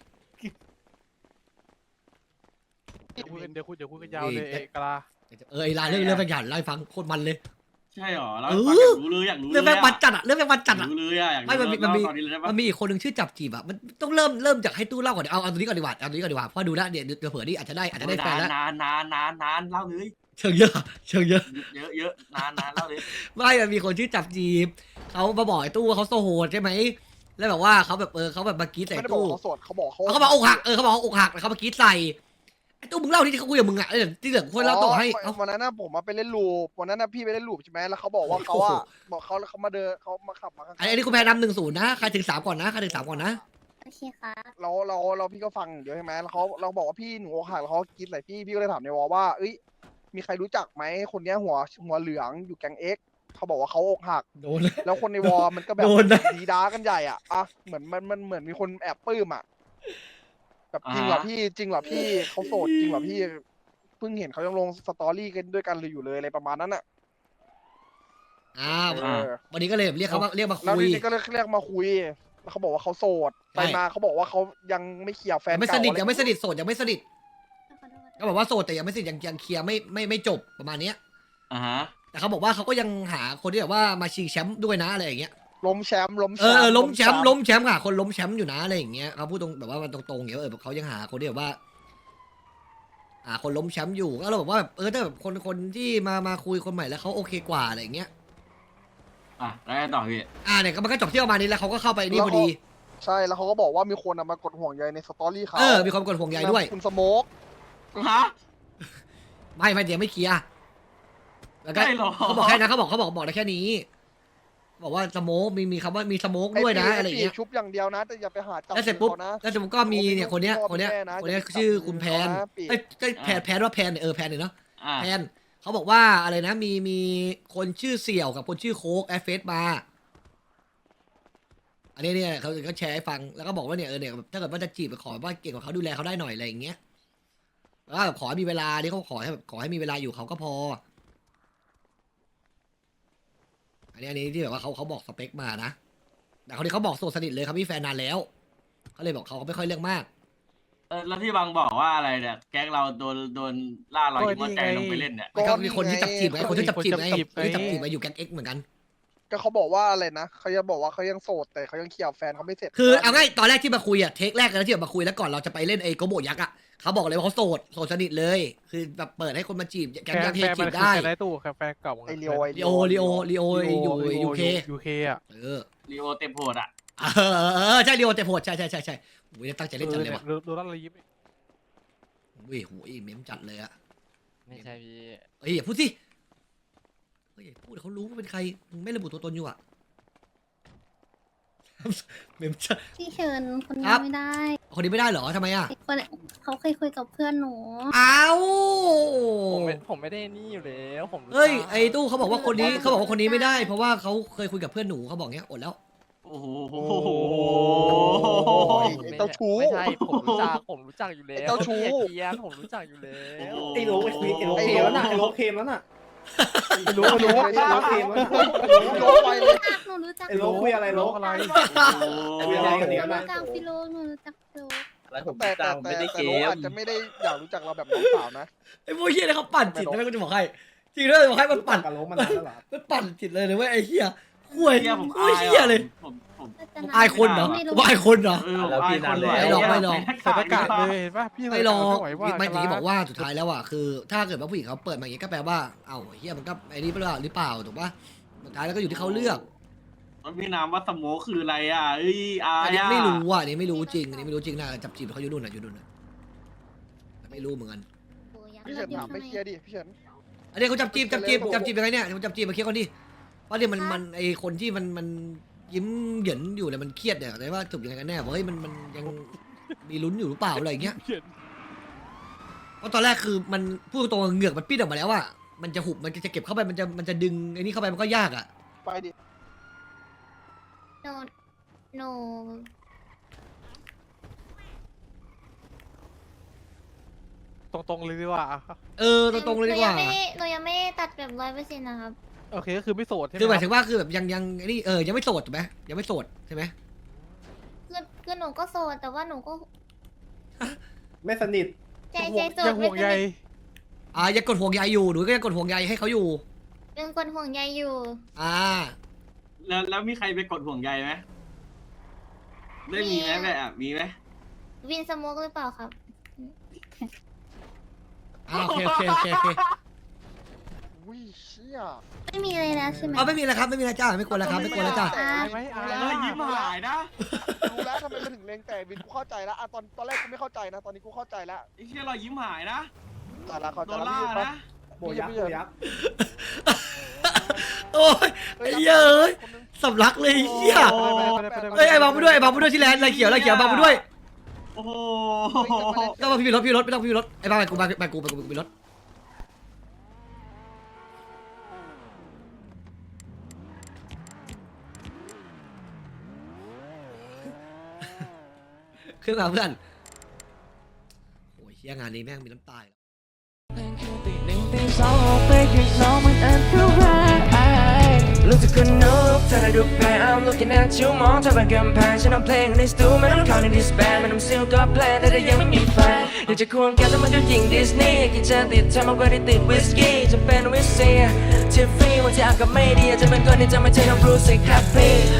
Speaker 8: เดี๋ยวคุยกันเดี๋ยวคุยเดี๋ยวคุยกันยาวเลยเอกลา
Speaker 2: เออไอ้ลายเรื่องเรื่องแม่งหยันไล่ฟังโคตรมันเลย
Speaker 10: ใช่หรอเรา
Speaker 2: เอ
Speaker 10: อยา
Speaker 2: อ
Speaker 10: กรู้เลยอยากรู้เลย
Speaker 2: เรื่องแม่งมันจัดอะเรื่องแม่งมันจัดอะ
Speaker 10: รู้เลยอะอยาก
Speaker 2: ไม่มันมีมันมี
Speaker 10: ตอนนี้เลยได้ปะ
Speaker 2: มันมีอีกคนหนึ่งชื่อจับจีบอะมันต้องเริ่มเริ่มจากให้ตู้เล่าก่อนเดี๋ยวเอาเอาตัวนี้ก่อนดีกว่าเอาตัวนี้ก่อนดีกว่าเพราะดูแล้วเดี๋ยวเดี๋ยวเผื่อนี่อาจจะได้อาจจะได้แฟนแล้ว
Speaker 10: นานนานนานนานเล่าเลย
Speaker 2: เชิงเยอะเชิงเยอะ
Speaker 10: เยอะเยอะนานนานเล่าเลย
Speaker 2: ไม่มันมีคนชื่อจับจีบเขามาบอกไอ้ตู้ว่าเขาโซโหดใช่ไหมแล้วแบบว่าเขาแบบเออเขาแบบมากรีดใส่
Speaker 1: ไม่ได้บอก
Speaker 2: ตู้
Speaker 1: เขาโสดเขาบอกเขา
Speaker 2: เขาบอกอกหักเออเขาบอกอกหักแล้วเขามากรีดใส่ไอ้ตู้มึงเล่าที่เขาคุยกับมึงอะเออที่เหลือคนเล่าต่อให้เอ้า
Speaker 1: วันนั้นน่ะผมมาไปเล่นลูปวันนั้นน่ะพี่ไปเล่นลูปใช่ไหมแล้วเขาบอกว่าเขาอ่ะบอกเขาแล้วเขามาเดินเขามาขับมาข้าง
Speaker 2: อันนี้คุณแพ้นำหนึ่งศูนย์นะใครถึงสามก่อนนะใครถึงสามก่อนนะ
Speaker 3: โอเคค่ะ
Speaker 1: เราเราเราพี่ก็ฟังเดี๋ยวใช่ไหมแล้วเขาเราบอกว่าพี่หนูอกหักแล้วเขากินใส่พี่พี่ก็เลยถามในวอลว่าเอ้ยมีใครรู้จักไหมคนเนี้ยหัวหัวเหลืองอยู่แก๊งเอ็กเขาบอกว่าเขาอกหัก
Speaker 2: โดน
Speaker 1: แล้วคนในวอลมันก็แบบ
Speaker 2: โดนนะ
Speaker 1: ดีด้ากันใหญ่อ่ะอ่ะเหมือนมันมันเหมือนมีคนแอบปลื้มอ่ะแบบจริงเหรอพี่จริงเหรอพี่เขาโสดจริงเหรอพี่เพิ่งเห็นเขายังลงสตอรี่กันด้วยกันเลยอยู่เลยอะไรประมาณนั้นอ่ะ
Speaker 2: อ้าว
Speaker 1: เออ
Speaker 2: วันนี้ก็เลยแบบเรียกเขามาเรียกมา
Speaker 1: แล้ว
Speaker 2: คุย
Speaker 1: ทีนี้ก็เลยเรียกมาคุยแล้วเขาบอกว่าเขาโสดไปมาเขาบอกว่าเขายังไม่เคลียร์แฟน
Speaker 2: ยังไม่
Speaker 1: เก่า
Speaker 2: สนิท
Speaker 1: อะไร
Speaker 2: ยังไม่สนิทโสดยังไม่สนิท
Speaker 3: ขอโทษ
Speaker 2: ก็บอกว่าโสดแต่ยังไม่สนิทยังยังเคลียร์ไม่ไม่ไม่จบประมาณเนี้ย
Speaker 10: อ่าฮะ
Speaker 2: แต่เขาบอกว่าเขาก็ยังหาคนที่แบบว่ามาชิงแชมป์ด้วยนะอะไรอย่างเงี้ย
Speaker 1: ล้มแชมป์ล้ม
Speaker 2: เออเออล้มแชมป์ล้มแชมป์ค่ะคนล้มแชมป์อยู่นะอะไรอย่างเงี้ยเขาพูดตรงแบบว่ามันตรงๆอย่างเงี้ยเออเขายังหาคนที่แบบว่าหาคนล้มแชมป์อยู่ก็เราบอกว่าแบบเออถ้าแบบคนคนที่มามาคุยคนใหม่แล้วเขาโอเคกว่าอะไรอย่างเงี้ย
Speaker 10: อ่ะแล้วไงต่อพี่
Speaker 2: อ่าเนี่ยก็มันก็จบที่ประมาณนี้แล้วเขาก็เข้าไปนี่พอดี
Speaker 1: ใช่แล้วเขาก็บอกว่ามีคนอะมากดห่วงใยในสตอรี่เขา
Speaker 2: เออมีความกดห่วงใยด้วย
Speaker 1: คุณสโมก
Speaker 10: ฮะ
Speaker 2: ไม่ไม่เดี๋ยวไม่เคลียร์แล้วก็
Speaker 10: ใช่หรอ
Speaker 2: เขาบอกแค่นั้นเขาบอกเขาบอกบอกได้แค่นี้ บอกว่าสโมกมีมีคำว่ามีสโมกด้วยนะอะไรอย่างเงี้ย
Speaker 1: ชุบอย่างเดียวนะแต่อย่าไปหาจับ
Speaker 2: แล้วเสร็จปุ๊บ
Speaker 1: ขานะ
Speaker 2: แล้วเสร็จปุ๊บก็มีเนี่ยคนเนี้ยคนเนี้ยคนเนี้ยชื่อคุณแพนเอ้ยเอ้ยแพนแพนว่าแพนเนี่ยเออแพนเนี่ยเนาะ
Speaker 10: อ่า
Speaker 2: แพนเขาบอกว่าอะไรนะมีมีคนชื่อเสี่ยวกับคนชื่อโค้กแอฟเฟสมาอันนี้เนี่ยเขาเขาแชร์ให้ฟังแล้วก็บอกว่าเนี่ยเออเนี่ยถ้าเกิดว่าจะจีบขอว่าเก่งกว่าเขาดูแลเขาได้หน่อยอะไรอย่างเงี้ยแล้วก็ขอให้มีเวลาที่เขาขอให้แบบขอให้มีเวลาอยู่เขาก็พอ อันนี้อันนี้ที่แบบว่าเขาเขาบอกสเปคมานะแต่คนนี้เขาบอกโสดสนิทเลยครับมีแฟนนานแล้วเขาเลยบอกเขาไม่ค่อยเรื่องมาก
Speaker 10: เออแล้วที่บางบอกว่าอะไรเนี่ยแก๊งเราโดนโดนล่ารอยยิ้มหัวใจลงไปเล่นเนี่ย
Speaker 2: ก็มีคนที่จับจีบไงคนที่จับจีบไงคนที่จับจีบไงอยู่แก๊งเอ็กเหมือนกัน
Speaker 1: ก็เขาบอกว่าอะไรนะเขาจะบอกว่าเขายังโสดแต่เขายังเคลียร์แฟนเขาไม่เสร็จ
Speaker 2: คือเอาง่ายตอนแรกที่มาคุยอะเทคแรกเลยที่แบบมาคุยแล้วก่อนเราจะไปเล่นไอ้โกโบยักษ์อะเขาบอกเลยว่าเขาโสดโสดสนิทเลย คือแบบเปิดให้คนมาจีบแก๊ง
Speaker 8: แฟ
Speaker 2: ยั
Speaker 8: น
Speaker 2: งเท
Speaker 8: แฟน
Speaker 2: จี
Speaker 8: มัน
Speaker 2: บ
Speaker 8: คือ
Speaker 2: ได้
Speaker 8: แฟนในตู้แฟนเก่า
Speaker 1: ไอเลียวไอ
Speaker 2: ลีโอลีโอลีโออยู่ยูเค
Speaker 8: ยูเคอ่ะ
Speaker 2: เออ
Speaker 10: ลีโอเต็มโหดอ่ะ
Speaker 2: เออเออใช่ลีโอแต่โหดใช่ใช่ใช่ใช่โอ้ยตั้งใจเล่นจัดเลยว่ะ
Speaker 8: โดนล่าเรายิ้ม
Speaker 2: เว้ยโหยเมมจัดเลยอะ
Speaker 11: ไม่ใช่พี่
Speaker 2: เอ้ยอย่าพูดสิเฮ้ยอย่าพูดเขารู้ว่าเป็นใครมึงไม่ระบุตัวตนอยู่อะเมมจัด
Speaker 3: พี่เชิญคน
Speaker 2: ค
Speaker 3: นี้
Speaker 2: รับ
Speaker 3: ไม่ได้
Speaker 2: คนนี้ไม่ได้เหรอทำไมอะ
Speaker 3: ไอ้คนเขาเคยคุยกับเพื่อนหนู
Speaker 2: อ้าว
Speaker 11: ผมไม่ผมไม่ได้นี่อยู่แล้วผมรู้
Speaker 2: เฮ้ย
Speaker 11: จัก
Speaker 2: ไอ้ตู้เขาบอกว่าคนนี้เขาบอกว่าคนนี้ไม่ได้ เพราะว่าเขาเคยคุยกับเพื่อนหนูเขาบอกเงี้ยอดแล้ว
Speaker 10: โอ้โห
Speaker 1: ไอ้เจ้าชู้
Speaker 11: ไม่ใช่ผมรู้จักผมรู้จักอยู่แล้ว
Speaker 1: ไอ้เจ้าชู้
Speaker 11: เกียร์ผมรู้จักอยู่แล้ว
Speaker 7: ไอ้โลกไอ้คุยไอ้โลกเคมแล้วน่ะไอ้โลกเคมแล้วน่ะ
Speaker 1: ไม่รู้ไม่รู้
Speaker 7: ไอ้โลกเคมแล้วน่ะ
Speaker 1: ไม่รู้ไปเลย
Speaker 3: หนูรู้จัก
Speaker 7: ไอ้โลกคุยอะไรโลก
Speaker 8: อะไร
Speaker 7: คุยอะไรกันเนี่ย
Speaker 3: หนู
Speaker 7: นะ
Speaker 3: รู้จักพี่โลหนูรู้จักพี่โล
Speaker 7: แล้วผม
Speaker 1: แต่แต่
Speaker 7: จำ
Speaker 1: แต่
Speaker 7: ไม่ได้
Speaker 1: แต่
Speaker 7: เก
Speaker 1: โล
Speaker 7: ม
Speaker 1: อาจจะไม่ได้อยากรู้จักเราแบบน้องสาวนะ
Speaker 2: ไอ้พวกเฮียเนี่ยเขาปั่นจิตนะกูจะบอกให้จริงด้วยบอกให้มันปั่น
Speaker 7: กับโลกมานานแล้วเหรอ
Speaker 2: มันปั่นจิตเลยนะเว้ยไอ้เฮียห่วย
Speaker 10: เฮียผม
Speaker 2: โอ้
Speaker 10: อาย ย
Speaker 2: เฮียเลย
Speaker 10: ผมผม
Speaker 2: อายคนเหรอ
Speaker 3: ไม่รู้
Speaker 2: ว่าอายคนเหรอ
Speaker 10: เออผมอายคนด้วย
Speaker 2: ไม่หรอกไม่หรอก
Speaker 8: ใส่หน้ากากเลยเห็นป่ะพี่
Speaker 2: ไม่หรอก
Speaker 8: ไม่ไหวว่า
Speaker 2: ไม่ถึงที่บอกว่าสุดท้ายแล้วอ่ะคือ ถ้าเกิดว่าผู้หญิงเขาเปิดมาอย่างงี้ก็แปลว่าเอ้าเฮียมันก็ไอ้นี่หรือเปล่าหรือเปล่าถูกปะสุดท้ายแล้วก็อยู่ที่เขาเลือก
Speaker 10: มันพี่นามว่าสโมคคืออะไรอ่ะเอ้ยอา
Speaker 2: อัน
Speaker 10: ย
Speaker 2: นี้
Speaker 10: อ่ะ
Speaker 2: ไม่รู้อ่ะอันนี้ไม่รู้จริงอันนี้ไม่รู้จริงนะจับจีบเขาอยู่นู่นน่ะอยู่นู่นน่ะแต่ไม่รู้เหมือนกัน
Speaker 1: พี่เฉินถามไม่เคลียร์ดิพี่เฉิน
Speaker 2: อันนี้เขาจับจีบจับจีบจับจีบยังไงเนี่ยเขาจับจีบมาเคลียร์ก่อนดิเพราะเนี่ยมันมันไอคนที่มันมันยิ้มเหยินอยู่เนี่ยมันเครียดเนี่ยแต่ว่าจบยังไงกันแน่ว่าเฮ้ยมันมันยังมีลุ้นอยู่หรือเปล่าอะไรอย่างเงี้ยเพราะตอนแรกคือมันพูดตรงๆเหงือกมันปิ้นออกมาแล้วอ่ะมันจะหุบมันจะเก็บเข้าไปมันจะมันจะดึงไอ้นี่เข้าไปมันก็ยากอ่ะ
Speaker 1: ไปดิ
Speaker 3: หนูหนู
Speaker 8: ตรงๆเลยดีกว่า
Speaker 2: เออตรงๆเลยดีกว่า
Speaker 3: หนูยังไม่หนูยังไม่ได้ตัดแบบร้อยเปอร์เซ็นต์นะครับ
Speaker 8: โอเคก็คือไม่โสดใช่ไหม
Speaker 2: คือหมายถึงว่าคือแบบยังยังไอ้นี่เออยังไม่โสดถูกไหมยังไม่โสดใช่ไหม
Speaker 3: คือคือหนูก็โสดแต่ว่าหนูก็
Speaker 7: ไม่สนิท
Speaker 3: ใจใจโส
Speaker 8: ยั
Speaker 3: ด
Speaker 8: ง
Speaker 3: ไม่
Speaker 8: ห่วงใย
Speaker 2: อ่ายังกดห่วงใยอยู่หนูก็ยังกดห่วงใยให้เขาอยู่
Speaker 3: เป็นคนห่วงใยอยู่
Speaker 2: อ่า
Speaker 10: แล้วแล้วมีใครไปกดห่วงใยไหมได้มีไหมแบบอ่ะมีไหม
Speaker 3: วินสโมกหรือเปล่าครับ
Speaker 2: อ่าโอเคโอเคโอเคโอเค
Speaker 1: อุ้ยเชี่ย
Speaker 3: ไม่มีเลยแล้วใช่ไหม
Speaker 2: เอาไม่มีแล้วครับไม่มีแล้วจ้าไม่กลัวแล้วครับไม่กลัวแล้วจ้า
Speaker 8: อายไหมอาย
Speaker 10: แล้วยิ้มหายนะ
Speaker 1: รู้แล้วทำไมมันถึงเลงแต่วินกูเข้าใจแล้วอะตอนตอนแรกกูไม่เข้าใจนะ ตอนนี้กูเข้าใจแล้ว
Speaker 10: ไอ้เชี่ยเรายิ้มหายนะ
Speaker 1: แต่ละเข้าใจ
Speaker 10: โดน
Speaker 1: แล้ว
Speaker 10: ล่า
Speaker 1: พี่ไป
Speaker 10: นะ
Speaker 7: โบยักษ์โบยักษ์
Speaker 2: โอ้ยไอ้เหี้ยเอ้ยสำลักเลยไอ้เหี้ยเอ้ยไอ้บังไปด้วยไอ้บังไปด้วยที่แลนด์ไรเขียวไรเขียวบังไปด้วย
Speaker 10: โอ้โห
Speaker 2: ต้องมาพี่รถพี่รถไม่ต้องพี่รถไอ้บังไปกูไปไปกูไปกูไปรถขึ้นมาเพื่อนโอ้ยเหี้ยงานนี้แม่งมีน้ำตาอีกแล้ว
Speaker 4: รู้สึกคนนุกเธอได้ดูแพ้ I'm looking at you มองเธอเป็นกำแพงฉันเอาเพลงในสตูไม่ต้องเข้าในดิสแบนไม่ต้องซิลก็แพลนแต่ถ้ายังไม่มีแฟนอยากจะควงแกแต่มันก็ยิงดิสนีย์กินจะติดเธอมากกว่าที่ติดวิสกี้จะเป็นวิสเซียทิฟฟี่วันที่อากาศไม่ดีอาจจะเป็นคนที่จะไม่ใช่น้องรู้สึกแฮปปี้